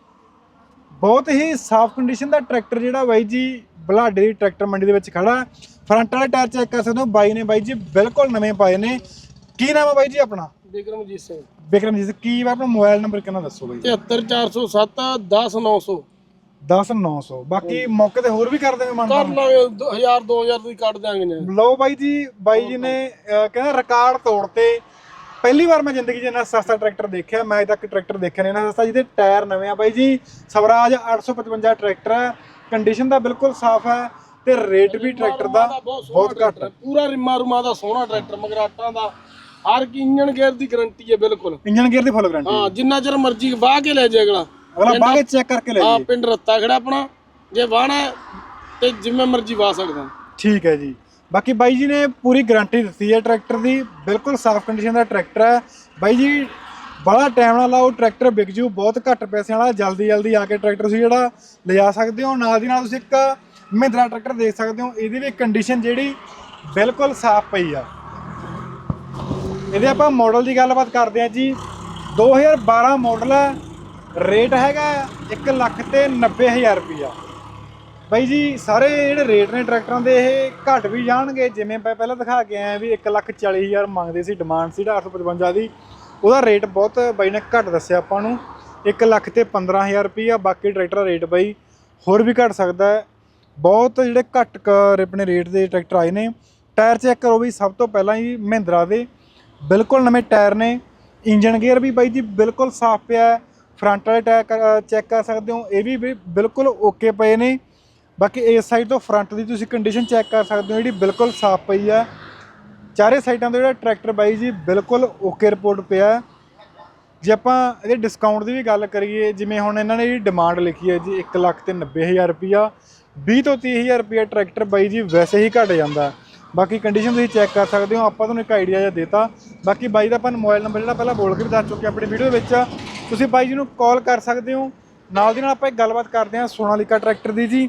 A: ਬਹੁਤ ਹੀ ਸਾਫ਼ ਕੰਡੀਸ਼ਨ ਦਾ ਟਰੈਕਟਰ ਜਿਹੜਾ ਬਾਈ ਜੀ ਬੁਲਾਡੇ ਦੀ ਟਰੈਕਟਰ ਮੰਡੀ ਦੇ ਵਿੱਚ ਖੜਾ। ਫਰੰਟ ਵਾਲੇ ਟਾਇਰ ਚੈੱਕ ਕਰ ਸਕਦੇ ਹੋ, ਬਾਈ ਨੇ ਬਾਈ ਜੀ ਬਿਲਕੁਲ ਨਵੇਂ ਪਾਏ ਨੇ। ਕੀ ਨਾਮ ਹੈ ਬਾਈ ਜੀ ਆਪਣਾ?
B: ਬਿਕਰਮਜੀਤ ਸਿੰਘ।
A: ਬਿਕਰਮਜੀਤ। ਕੀ ਆਪਣਾ ਮੋਬਾਈਲ ਨੰਬਰ ਕਿੰਨਾ ਦੱਸੋ ਬਾਈ?
B: ਤਿਹੱਤਰ ਚਾਰ ਸੌ ਸੱਤ ਦਸ ਨੌ ਸੌ।
A: ਦਸ ਨੌ ਸੌ। ਬਾਕੀ ਮੌਕੇ ਤੇ ਹੋਰ ਵੀ ਕਰ ਦੇਵੇ ਮਨ?
B: ਕਰ ਲਾਂਗੇ ਹਜ਼ਾਰ ਦੋ ਹਜ਼ਾਰ ਦੀ ਕੱਢ ਦਿਆਂਗੇ ਨੇ।
A: ਲਓ ਬਾਈ ਜੀ, ਬਾਈ ਜੀ ਨੇ ਅਹ ਕਹਿੰਦਾ ਰਿਕਾਰਡ ਤੋੜਤੇ। ਪਹਿਲੀ ਵਾਰ ਮੈਂ ਜ਼ਿੰਦਗੀ 'ਚ ਇੰਨਾ ਸਸਤਾ ਟਰੈਕਟਰ ਦੇਖਿਆ। ਮੈਂ ਅਜੇ ਤੱਕ ਟਰੈਕਟਰ ਦੇਖਿਆ ਨਹੀਂ ਇੰਨਾ ਸਸਤਾ ਜਿਹਦੇ ਟਾਇਰ ਨਵੇਂ ਆ ਬਾਈ ਜੀ। ਸਵਰਾਜ ਅੱਠ ਸੌ ਪਚਵੰਜਾ ਟਰੈਕਟਰ ਹੈ। ਕੰਡੀਸ਼ਨ ਦਾ ਬਿਲਕੁਲ ਸਾਫ਼ ਹੈ ਤੇ ਰੇਟ ਵੀ ਟਰੈਕਟਰ ਦਾ ਬਹੁਤ ਘੱਟ ਹੈ।
B: ਪੂਰਾ ਰਿਮਾ ਰੁਮਾ ਦਾ ਸੋਹਣਾ ਟਰੈਕਟਰ, ਮਗਰਾਟਾਂ ਦਾ। ਹਰ ਕੀ ਇੰਜਨ ਗੇਅਰ ਦੀ ਗਾਰੰਟੀ ਹੈ ਬਿਲਕੁਲ।
A: ਇੰਜਨ ਗੇਅਰ ਦੀ ਫੁੱਲ ਗਾਰੰਟੀ?
B: ਹਾਂ, ਜਿੰਨਾ ਚਿਰ ਮਰਜ਼ੀ ਵਾਹ ਕੇ ਲੈ ਜਾਏ ਅਗਲਾ।
A: ਅਗਲਾ ਬਾਅਦ ਵਿੱਚ ਚੈੱਕ ਕਰਕੇ ਲੈ
B: ਹਾਂ,
A: ਜਾਏ।
B: ਪਿੰਡ ਰੱਤਾ ਖੜਾ ਆਪਣਾ, ਜੇ ਵਾਹਣਾ ਤੇ ਜਿਵੇਂ ਮਰਜ਼ੀ ਵਾਹ ਸਕਦਾ।
A: ਠੀਕ ਹੈ ਜੀ। ਬਾਕੀ ਬਾਈ ਜੀ ਨੇ ਪੂਰੀ ਗਾਰੰਟੀ ਦਿੱਤੀ ਹੈ ਟਰੈਕਟਰ ਦੀ। ਬਿਲਕੁਲ ਸਾਫ਼ ਕੰਡੀਸ਼ਨ ਦਾ ਟਰੈਕਟਰ ਹੈ ਬਾਈ ਜੀ। ਬੜਾ ਟਾਈਮ ਨਾਲ ਲਾਓ, ਟਰੈਕਟਰ ਵਿਕ ਜੂ। ਬਹੁਤ ਘੱਟ ਪੈਸਿਆਂ ਵਾਲਾ। ਜਲਦੀ ਜਲਦੀ ਆ ਕੇ ਟਰੈਕਟਰ ਤੁਸੀਂ ਜਿਹੜਾ ਲਿਜਾ ਸਕਦੇ ਹੋ। ਨਾਲ ਦੀ ਨਾਲ ਤੁਸੀਂ ਇੱਕ ਮਹਿੰਦਰਾ ਟਰੈਕਟਰ ਦੇਖ ਸਕਦੇ ਹੋ, ਇਹਦੀ ਵੀ ਕੰਡੀਸ਼ਨ ਜਿਹੜੀ ਬਿਲਕੁਲ ਸਾਫ਼ ਪਈ ਆ। ਇਹਦੇ ਆਪਾਂ ਮਾਡਲ ਦੀ ਗੱਲਬਾਤ ਕਰਦੇ ਹਾਂ ਜੀ। ਦੋ ਹਜ਼ਾਰ ਬਾਰਾਂ ਮਾਡਲ ਹੈ। ਰੇਟ ਹੈਗਾ ਇੱਕ ਲੱਖ ਤੇ ਨੱਬੇ ਹਜ਼ਾਰ ਰੁਪਈਆ। ਬਾਈ ਜੀ ਸਾਰੇ ਜਿਹੜੇ ਰੇਟ ਨੇ ਟਰੈਕਟਰਾਂ ਦੇ ਇਹ ਘੱਟ ਵੀ ਜਾਣਗੇ। ਜਿਵੇਂ ਮੈਂ ਪਹਿਲਾਂ ਦਿਖਾ ਕੇ ਆਇਆ ਵੀ ਇੱਕ ਲੱਖ ਚਾਲੀ ਹਜ਼ਾਰ ਮੰਗਦੇ ਸੀ, ਡਿਮਾਂਡ ਸੀ ਅੱਠ ਸੌ ਪਚਵੰਜਾ ਦੀ। ਉਹਦਾ ਰੇਟ ਬਹੁਤ ਬਾਈ ਨੇ ਘੱਟ ਦੱਸਿਆ ਆਪਾਂ ਨੂੰ, ਇੱਕ ਲੱਖ ਤੇ ਪੰਦਰਾਂ ਹਜ਼ਾਰ ਰੁਪਈਆ। ਬਾਕੀ ਟਰੈਕਟਰ ਦਾ ਰੇਟ ਬਾਈ ਹੋਰ ਵੀ ਘੱਟ ਸਕਦਾ ਹੈ। ਬਹੁਤ ਜਿਹੜੇ ਘੱਟ ਆਪਣੇ ਰੇਟ ਦੇ ਟਰੈਕਟਰ ਆਏ ਨੇ। ਟਾਇਰ ਚੈੱਕ ਕਰੋ ਵੀ ਸਭ ਤੋਂ ਪਹਿਲਾਂ ਹੀ ਮਹਿੰਦਰਾ ਦੇ ਬਿਲਕੁਲ ਨਵੇਂ ਟਾਇਰ ਨੇ। ਇੰਜਨ ਗੇਅਰ ਵੀ ਬਾਈ ਜੀ ਬਿਲਕੁਲ ਸਾਫ਼ ਪਿਆ। ਫਰੰਟ ਵਾਲੇ ਟਾਇਰ ਚੈੱਕ ਕਰ ਸਕਦੇ ਹੋ, ਇਹ ਵੀ ਬਿਲਕੁਲ ਓਕੇ ਪਏ ਨੇ। ਬਾਕੀ ਇਸ ਸਾਈਡ ਤੋਂ ਫਰੰਟ ਦੀ ਤੁਸੀਂ ਕੰਡੀਸ਼ਨ ਚੈੱਕ ਕਰ ਸਕਦੇ ਹੋ, ਜਿਹੜੀ ਬਿਲਕੁਲ ਸਾਫ਼ ਪਈ ਆ। ਚਾਰੇ ਸਾਈਡਾਂ ਤੋਂ ਜਿਹੜਾ ਟਰੈਕਟਰ ਬਾਈ ਜੀ ਬਿਲਕੁਲ ਓਕੇ ਰਿਪੋਰਟ ਪਿਆ। ਜੇ ਆਪਾਂ ਇਹਦੇ ਡਿਸਕਾਊਂਟ ਦੀ ਵੀ ਗੱਲ ਕਰੀਏ, ਜਿਵੇਂ ਹੁਣ ਇਹਨਾਂ ਨੇ ਜਿਹੜੀ ਡਿਮਾਂਡ ਲਿਖੀ ਹੈ ਜੀ ਇੱਕ ਲੱਖ ਤੇ ਨੱਬੇ ਹਜ਼ਾਰ ਰੁਪਈਆ, ਵੀਹ ਤੋਂ ਤੀਹ ਹਜ਼ਾਰ ਰੁਪਈਆ ਟਰੈਕਟਰ ਬਾਈ ਜੀ ਵੈਸੇ ਹੀ ਘੱਟ ਜਾਂਦਾ। ਬਾਕੀ ਕੰਡੀਸ਼ਨ ਤੁਸੀਂ ਚੈੱਕ ਕਰ ਸਕਦੇ ਹੋ। ਆਪਾਂ ਤੁਹਾਨੂੰ ਇੱਕ ਆਈਡੀਆ ਜਿਹਾ ਦੇਤਾ। ਬਾਕੀ ਬਾਈ ਦਾ ਆਪਾਂ ਮੋਬਾਈਲ ਨੰਬਰ ਜਿਹੜਾ ਪਹਿਲਾਂ ਬੋਲ ਕੇ ਵੀ ਦੱਸ ਚੁੱਕੇ ਆਪਣੀ ਵੀਡੀਓ ਦੇ ਵਿੱਚ, ਤੁਸੀਂ ਬਾਈ ਜੀ ਨੂੰ ਕਾਲ ਕਰ ਸਕਦੇ ਹੋ। ਨਾਲ ਦੀ ਨਾਲ ਆਪਾਂ ਇੱਕ ਗੱਲਬਾਤ ਕਰਦੇ ਹਾਂ ਸੋਨਾਲੀਕਾ ਟਰੈਕਟਰ ਦੀ ਜੀ।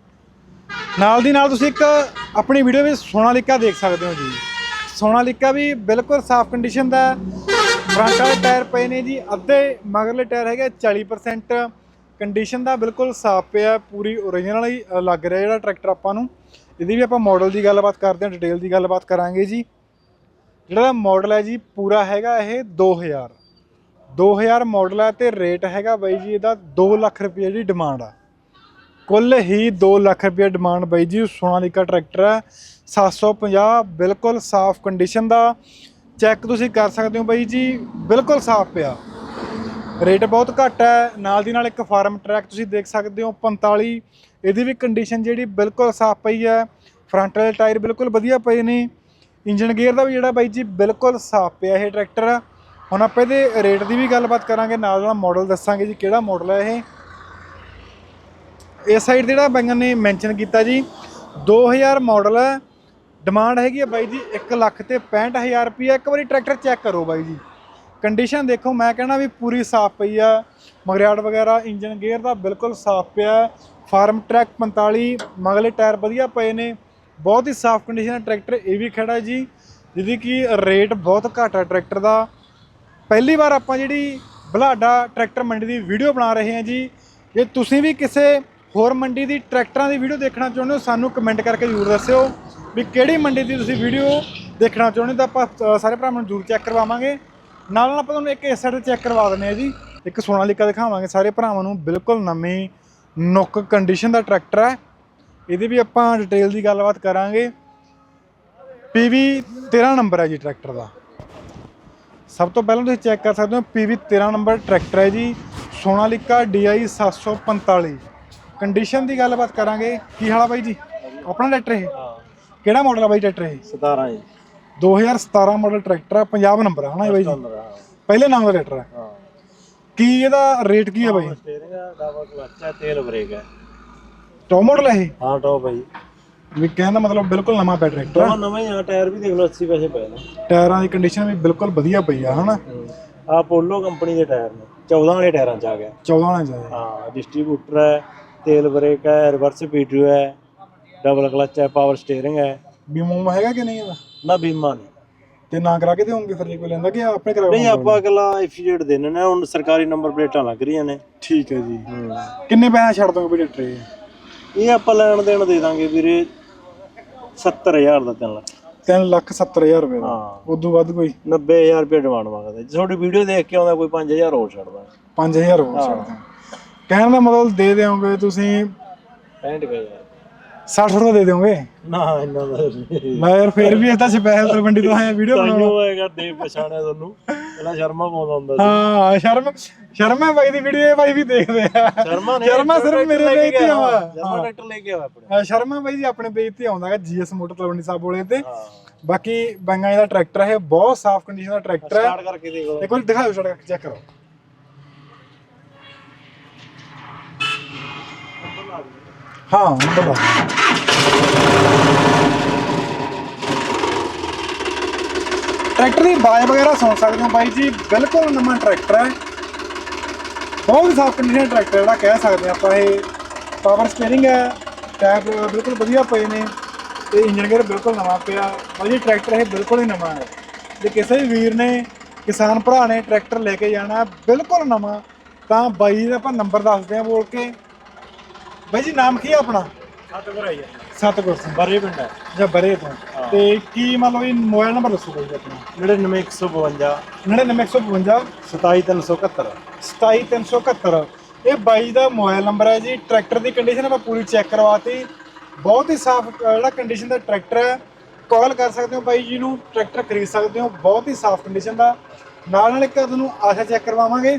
A: ਨਾਲ ਦੀ ਨਾਲ ਤੁਸੀਂ ਇੱਕ ਆਪਣੀ ਵੀਡੀਓ ਵਿੱਚ ਸੋਨਾਲੀਕਾ ਦੇਖ ਸਕਦੇ ਹੋ ਜੀ। ਸੋਨਾਲੀਕਾ ਵੀ ਬਿਲਕੁਲ ਸਾਫ਼ ਕੰਡੀਸ਼ਨ ਦਾ। ਫਰੰਟ ਵਾਲੇ ਟਾਇਰ ਪਏ ਨੇ ਜੀ ਅੱਧੇ, ਮਗਰਲੇ ਟਾਇਰ ਹੈਗੇ ਚਾਲੀ ਪਰਸੈਂਟ। ਕੰਡੀਸ਼ਨ ਦਾ ਬਿਲਕੁਲ ਸਾਫ਼ ਪਿਆ, ਪੂਰੀ ਓਰੀਜਨਲ ਹੀ ਲੱਗ ਰਿਹਾ ਜਿਹੜਾ ਟਰੈਕਟਰ ਆਪਾਂ ਨੂੰ। ਇਹਦੀ ਵੀ ਆਪਾਂ ਮਾਡਲ ਦੀ ਗੱਲਬਾਤ ਕਰਦੇ ਹਾਂ, ਡਿਟੇਲ ਦੀ ਗੱਲਬਾਤ ਕਰਾਂਗੇ ਜੀ। ਜਿਹੜਾ ਮਾਡਲ ਹੈ ਜੀ ਪੂਰਾ ਹੈਗਾ ਇਹ ਦੋ ਹਜ਼ਾਰ ਦੋ ਹਜ਼ਾਰ ਮਾਡਲ ਹੈ ਤੇ ਰੇਟ ਹੈਗਾ ਬਾਈ ਜੀ ਇਹਦਾ ਦੋ ਲੱਖ ਰੁਪਏ ਦੀ ਡਿਮਾਂਡ ਆ। ਕੁੱਲ ਹੀ ਦੋ ਲੱਖ ਰੁਪਏ ਡਿਮਾਂਡ ਬਾਈ ਜੀ। ਸੋਨਾਲੀਕਾ ਟਰੈਕਟਰ ਹੈ ਸੱਤ ਸੌ ਪੰਜਾਹ, ਬਿਲਕੁਲ ਸਾਫ਼ ਕੰਡੀਸ਼ਨ ਦਾ। ਚੈੱਕ ਤੁਸੀਂ ਕਰ ਸਕਦੇ ਹੋ ਬਾਈ ਜੀ, ਬਿਲਕੁਲ ਸਾਫ਼ ਪਿਆ। ਰੇਟ ਬਹੁਤ ਘੱਟ ਹੈ। ਨਾਲ ਦੀ ਨਾਲ ਇੱਕ ਫਾਰਮ ਟਰੈਕ ਤੁਸੀਂ ਦੇਖ ਸਕਦੇ ਹੋ ਪੰਤਾਲੀ, ਇਹਦੀ ਵੀ ਕੰਡੀਸ਼ਨ ਜਿਹੜੀ ਬਿਲਕੁਲ ਸਾਫ਼ ਪਈ ਹੈ। ਫਰੰਟ ਵਾਲੇ ਟਾਇਰ ਬਿਲਕੁਲ ਵਧੀਆ ਪਏ ਨੇ। ਇੰਜਨ ਗੇਅਰ ਦਾ ਵੀ ਜਿਹੜਾ ਬਾਈ ਜੀ ਬਿਲਕੁਲ ਸਾਫ਼ ਪਿਆ ਇਹ ਟਰੈਕਟਰ। ਹੁਣ ਆਪਾਂ ਇਹਦੇ ਰੇਟ ਦੀ ਵੀ ਗੱਲਬਾਤ ਕਰਾਂਗੇ, ਨਾਲ ਨਾਲ ਮਾਡਲ ਦੱਸਾਂਗੇ ਜੀ ਕਿਹੜਾ ਮਾਡਲ ਹੈ ਇਹ। ਇਸ ਸਾਈਡ ਜਿਹੜਾ ਬਾਈਆਂ ਨੇ ਮੈਂਸ਼ਨ ਕੀਤਾ ਜੀ ਦੋ ਹਜ਼ਾਰ ਮਾਡਲ ਹੈ। ਡਿਮਾਂਡ ਹੈਗੀ ਹੈ ਬਾਈ ਜੀ ਇੱਕ ਲੱਖ ਤੇ ਪੈਂਹਠ ਹਜ਼ਾਰ ਰੁਪਈਆ। ਇੱਕ ਵਾਰੀ ਟਰੈਕਟਰ ਚੈੱਕ ਕਰੋ ਬਾਈ ਜੀ, ਕੰਡੀਸ਼ਨ ਦੇਖੋ। ਮੈਂ ਕਹਿਣਾ ਵੀ ਪੂਰੀ ਸਾਫ਼ ਪਈ ਆ। ਮਗਰਿਆੜ ਵਗੈਰਾ ਇੰਜਨ ਗੇਅਰ ਦਾ ਬਿਲਕੁਲ ਸਾਫ਼ ਪਿਆ। ਫਾਰਮ ਟਰੈਕ ਪੰਤਾਲੀ, ਮਗਲੇ ਟਾਇਰ ਵਧੀਆ ਪਏ ਨੇ। ਬਹੁਤ ਹੀ ਸਾਫ਼ ਕੰਡੀਸ਼ਨ ਦਾ ਟਰੈਕਟਰ ਇਹ ਵੀ ਖੜਾ ਜੀ, ਜਿਹਦੀ ਕਿ ਰੇਟ ਬਹੁਤ ਘੱਟ ਹੈ ਟਰੈਕਟਰ ਦਾ। ਪਹਿਲੀ ਵਾਰ ਆਪਾਂ ਜਿਹੜੀ ਬੁਲਾਡਾ ਟਰੈਕਟਰ ਮੰਡੀ ਦੀ ਵੀਡੀਓ ਬਣਾ ਰਹੇ ਹਾਂ ਜੀ। ਜੇ ਤੁਸੀਂ ਵੀ ਕਿਸੇ ਹੋਰ ਮੰਡੀ ਦੀ ਟਰੈਕਟਰਾਂ ਦੀ ਵੀਡੀਓ ਦੇਖਣਾ ਚਾਹੁੰਦੇ ਹੋ, ਸਾਨੂੰ ਕਮੈਂਟ ਕਰਕੇ ਜ਼ਰੂਰ ਦੱਸਿਓ ਵੀ ਕਿਹੜੀ ਮੰਡੀ ਦੀ ਤੁਸੀਂ ਵੀਡੀਓ ਦੇਖਣਾ ਚਾਹੁੰਦੇ ਹੋ। ਤਾਂ ਆਪਾਂ ਸਾਰੇ ਭਰਾਵਾਂ ਨੂੰ ਜ਼ਰੂਰ ਚੈੱਕ ਕਰਵਾਵਾਂਗੇ। ਨਾਲ ਨਾਲ ਆਪਾਂ ਤੁਹਾਨੂੰ ਇੱਕ ਇਸ ਸਾਈਡ ਤੇ ਚੈੱਕ ਕਰਵਾ ਦਿੰਦੇ ਹਾਂ ਜੀ। ਇੱਕ ਸੋਨਾਲੀਕਾ ਦਿਖਾਵਾਂਗੇ ਸਾਰੇ ਭਰਾਵਾਂ ਨੂੰ, ਬਿਲਕੁਲ ਨਵੀਂ ਨੁੱਕ ਕੰਡੀਸ਼ਨ ਦਾ ਟਰੈਕਟਰ ਹੈ। ਇਹਦੀ ਵੀ ਆਪਾਂ ਡਿਟੇਲ ਦੀ ਗੱਲਬਾਤ ਕਰਾਂਗੇ। ਪੀ ਵੀ ਤੇਰ੍ਹਾਂ ਨੰਬਰ ਹੈ ਜੀ ਟਰੈਕਟਰ ਦਾ। ਸਭ ਤੋਂ ਪਹਿਲਾਂ ਤੁਸੀਂ ਚੈੱਕ ਕਰ ਸਕਦੇ ਹੋ ਪੀ ਵੀ ਤੇਰ੍ਹਾਂ ਨੰਬਰ ਟਰੈਕਟਰ ਹੈ ਜੀ, ਸੋਨਾਲੀਕਾ ਡੀ ਆਈ ਸੱਤ ਸੌ ਪੰਤਾਲੀ। ਕੰਡੀਸ਼ਨ ਦੀ ਗੱਲਬਾਤ ਕਰਾਂਗੇ। ਕੀ ਹਾਲ ਆ ਬਾਈ ਜੀ? ਆਪਣਾ ਟਰੈਕਟਰ ਇਹ ਕਿਹੜਾ ਮਾਡਲ ਆ ਬਾਈ ਟਰੈਕਟਰ ਇਹ?
C: ਸਤਾਰਾਂ ਜੀ,
A: ਦੋ ਹਜ਼ਾਰ ਸਤਾਰਾਂ ਮਾਡਲ ਟਰੈਕਟਰ ਆ, ਪੰਜਾਬ ਨੰਬਰ ਆ ਹਨਾ ਬਾਈ ਜੀ? ਪਹਿਲੇ ਨਾਮ ਦਾ ਟਰੈਕਟਰ ਹੈ।
C: ਹਾਂ।
A: ਕੀ ਇਹਦਾ ਰੇਟ ਕੀ ਹੈ ਬਾਈ?
C: ਸਟੀਅਰਿੰਗ ਹੈ, ਡਬਲ ਕਲਚ ਹੈ, ਤੇਲ ਬ੍ਰੇਕ ਹੈ।
A: ਟੌਪ ਮਾਡਲ ਹੈ ਇਹ?
C: ਹਾਂ ਟੌਪ ਹੈ ਜੀ।
A: ਵੀ ਕਹਿਣ ਦਾ ਮਤਲਬ ਬਿਲਕੁਲ ਨਵਾਂ ਪਿਆ ਟਰੈਕਟਰ।
C: ਨਵਾਂ ਨਵਾਂ ਹੀ ਆ। ਟਾਇਰ ਵੀ ਦੇਖ ਲਓ ਅੱਸੀ ਪੈਸੇ ਪਏ ਨੇ।
A: ਟਾਇਰਾਂ ਦੀ ਕੰਡੀਸ਼ਨ ਵੀ ਬਿਲਕੁਲ ਵਧੀਆ ਪਈ ਆ ਹਨਾ।
C: ਆ ਪੋਲੋ ਕੰਪਨੀ ਦੇ ਟਾਇਰ ਨੇ, ਚੌਦਾਂ ਵਾਲੇ ਟਾਇਰਾਂ 'ਚ ਆ ਗਿਆ।
A: ਚੌਦਾਂ ਵਾਲੇ ਜਾਏ।
C: ਹਾਂ, ਡਿਸਟ੍ਰੀਬਿਊਟਰ ਹੈ, ਤੇਲ ਬ੍ਰੇਕ ਹੈ, ਰਿਵਰਸ ਪੀਟੀਓ ਹੈ, ਡਬਲ ਕਲਚ ਹੈ, ਪਾਵਰ ਸਟੀਅਰਿੰਗ ਹੈ।
A: ਬੀਮਾ ਹੈਗਾ ਕਿ ਨਹੀਂ ਇਹਦਾ?
C: ਨਾ ਬੀਮਾ ਨਹੀਂ।
A: ਤੇ ਨਾ ਕਰਾ ਕੇ ਦੇਵੋਗੇ ਫਿਰ ਜੇ ਕੋਈ ਲੈਂਦਾ ਕਿ ਆਪਣੇ ਕਰਾਉਣਾ?
C: ਨਹੀਂ, ਆਪਾਂ ਅਗਲਾ ਐਫੀਡੇਟ ਦੇਣੇ ਨੇ। ਹੁਣ ਸਰਕਾਰੀ ਨੰਬਰ ਪਲੇਟਾਂ ਲੱਗ ਰਹੀਆਂ ਨੇ।
A: ਠੀਕ ਹੈ ਜੀ। ਕਿੰਨੇ ਪੈਸੇ ਛੱਡ ਦੋਗੇ ਵੀ ਟਰੈਕਟਰ ਇਹ?
C: ਇਹ ਆਪਾਂ ਲੈਣ ਦੇਣ ਦੇ ਦਾਂਗੇ ਵੀਰੇ ਸੱਤਰ ਹਜ਼ਾਰ ਦਾ, ਤਿੰਨ ਲੱਖ
A: ਤਿੰਨ ਲੱਖ ਸੱਤਰ ਹਜ਼ਾਰ ਰੁਪਏ ਦਾ।
C: ਹਾਂ,
A: ਉਦੋਂ ਵੱਧ ਕੋਈ?
C: ਨੱਬੇ ਹਜ਼ਾਰ ਰੁਪਏ ਡਿਮਾਂਡ ਮੰਗਦਾ। ਜੇ ਤੁਹਾਡੀ ਵੀਡੀਓ ਦੇਖ ਕੇ ਆਉਂਦਾ ਕੋਈ ਪੰਜ ਹਜ਼ਾਰ ਹੋਰ ਛੱਡਦਾ।
A: ਪੰਜ ਹਜ਼ਾਰ ਹੋਰ ਛੱਡ ਦਾਂ। ਕਹਿਣ ਦਾ ਮਤਲਬ ਦੇ ਦਿਓਗੇ ਤੁਸੀਂ
C: ਪੈਂਹਠ ਹਜ਼ਾਰ
A: ਸੱਠ ਰੁਪਏ ਦੇ ਦਿਓਗੇ?
C: ਨਾ ਇੰਨਾ ਦਾ
A: ਮੈਂ ਯਾਰ ਫਿਰ ਵੀ ਇਹ ਤਾਂ ਸਪੈਸ਼ਲ ਤਲਵੰਡੀ ਤੋਂ ਆਇਆ ਵੀਡੀਓ ਬਣਾਉਣਾ
C: ਹੋਏਗਾ। ਦੇ ਪਛਾਣਿਆ ਤੁਹਾਨੂੰ ਪਹਿਲਾਂ ਸ਼ਰਮਾ ਪਾਉਂਦਾ ਹੁੰਦਾ ਸੀ।
A: ਹਾਂ, ਸ਼ਰਮ ਸ਼ਰਮਾ ਬਾਈ ਦੀ ਵੀਡੀਓ ਇਹ ਬਾਈ ਵੀ ਦੇਖਦੇ ਆ।
C: ਸ਼ਰਮਾ ਨੇ
A: ਸ਼ਰਮਾ ਸਿਰਫ ਮੇਰੇ ਪੇਜ ਤੇ ਆਵਾ।
C: ਸ਼ਰਮਾ ਟਰੈਕਟਰ ਲੈ ਕੇ ਆਵਾ ਆਪਣੇ।
A: ਹਾਂ, ਸ਼ਰਮਾ ਬਾਈ ਜੀ ਆਪਣੇ ਪੇਜ ਤੇ ਆਉਂਦਾ ਹੈ ਜੀਐਸ ਮੋਟਰ ਤਲਵੰਡੀ ਸਾਹਿਬ ਵਾਲੇ ਤੇ। ਬਾਕੀ ਬੰਗਾ ਦਾ ਟਰੈਕਟਰ ਹੈ, ਬਹੁਤ ਸਾਫ਼ ਕੰਡੀਸ਼ਨ ਦਾ ਟਰੈਕਟਰ ਹੈ।
C: ਸਟਾਰਟ ਕਰਕੇ ਦੇਖੋ
A: ਇੱਕ ਵਾਰ ਦਿਖਾਓ, ਸਟਾਰਟ ਕਰਕੇ ਚੈੱਕ ਕਰੋ। ਹਾਂ ਨੰਬਰ ਟਰੈਕਟਰ ਦੀ ਆਵਾਜ਼ ਵਗੈਰਾ ਸੁਣ ਸਕਦੇ ਹੋ ਬਾਈ ਜੀ, ਬਿਲਕੁਲ ਨਵਾਂ ਟਰੈਕਟਰ ਹੈ। ਬਹੁਤ ਹੀ ਸਾਫ਼ ਕੰਡੀਸ਼ਨ ਟਰੈਕਟਰ ਜਿਹੜਾ ਕਹਿ ਸਕਦੇ ਆਪਾਂ ਇਹ। ਪਾਵਰ ਸਟੀਅਰਿੰਗ ਹੈ, ਟਾਇਰ ਬਿਲਕੁਲ ਵਧੀਆ ਪਏ ਨੇ ਤੇ ਇੰਜਨ ਗੇਅਰ ਬਿਲਕੁਲ ਨਵਾਂ ਪਿਆ ਬਾਈ ਜੀ। ਟਰੈਕਟਰ ਇਹ ਬਿਲਕੁਲ ਹੀ ਨਵਾਂ ਹੈ। ਜੇ ਕਿਸੇ ਵੀ ਵੀਰ ਨੇ, ਕਿਸਾਨ ਭਰਾ ਨੇ ਟਰੈਕਟਰ ਲੈ ਕੇ ਜਾਣਾ ਬਿਲਕੁਲ ਨਵਾਂ, ਤਾਂ ਬਾਈ ਦਾ ਆਪਾਂ ਨੰਬਰ ਦੱਸਦੇ ਹਾਂ ਬੋਲ ਕੇ। ਬਾਈ ਜੀ ਨਾਮ ਕੀ ਹੈ ਆਪਣਾ?
C: ਸਤਿਗੁਰ ਆਈ
A: ਸਤਿਗੁਰ ਸਿੰਘ,
C: ਬਰੇ ਪਿੰਡ ਹੈ
A: ਜਾਂ ਬਰੇ ਤੋਂ। ਤੇ ਕੀ ਮੰਨ ਲਓ ਇਹ ਮੋਬਾਈਲ ਨੰਬਰ ਦੱਸੋ ਬਾਈ ਜੀ ਆਪਣਾ?
C: ਨੜਿਨਵੇਂ ਇੱਕ ਸੌ ਬਵੰਜਾ
A: ਨੜਿਨਵੇਂ ਇੱਕ ਸੌ ਬਵੰਜਾ
C: ਸਤਾਈ ਤਿੰਨ ਸੌ ਇਕਹੱਤਰ
A: ਸਤਾਈ ਤਿੰਨ ਸੌ ਇਕਹੱਤਰ। ਇਹ ਬਾਈ ਦਾ ਮੋਬਾਈਲ ਨੰਬਰ ਹੈ ਜੀ। ਟਰੈਕਟਰ ਦੀ ਕੰਡੀਸ਼ਨ ਆਪਾਂ ਪੂਰੀ ਚੈੱਕ ਕਰਵਾਤੀ। ਬਹੁਤ ਹੀ ਸਾਫ਼ ਜਿਹੜਾ ਕੰਡੀਸ਼ਨ ਦਾ ਟਰੈਕਟਰ ਹੈ। ਕਾਲ ਕਰ ਸਕਦੇ ਹੋ ਬਾਈ ਜੀ ਨੂੰ, ਟਰੈਕਟਰ ਖਰੀਦ ਸਕਦੇ ਹੋ। ਬਹੁਤ ਹੀ ਸਾਫ਼ ਕੰਡੀਸ਼ਨ ਦਾ। ਨਾਲ ਨਾਲ ਇੱਕ ਤੁਹਾਨੂੰ ਆਸ਼ਾ ਚੈੱਕ ਕਰਵਾਵਾਂਗੇ।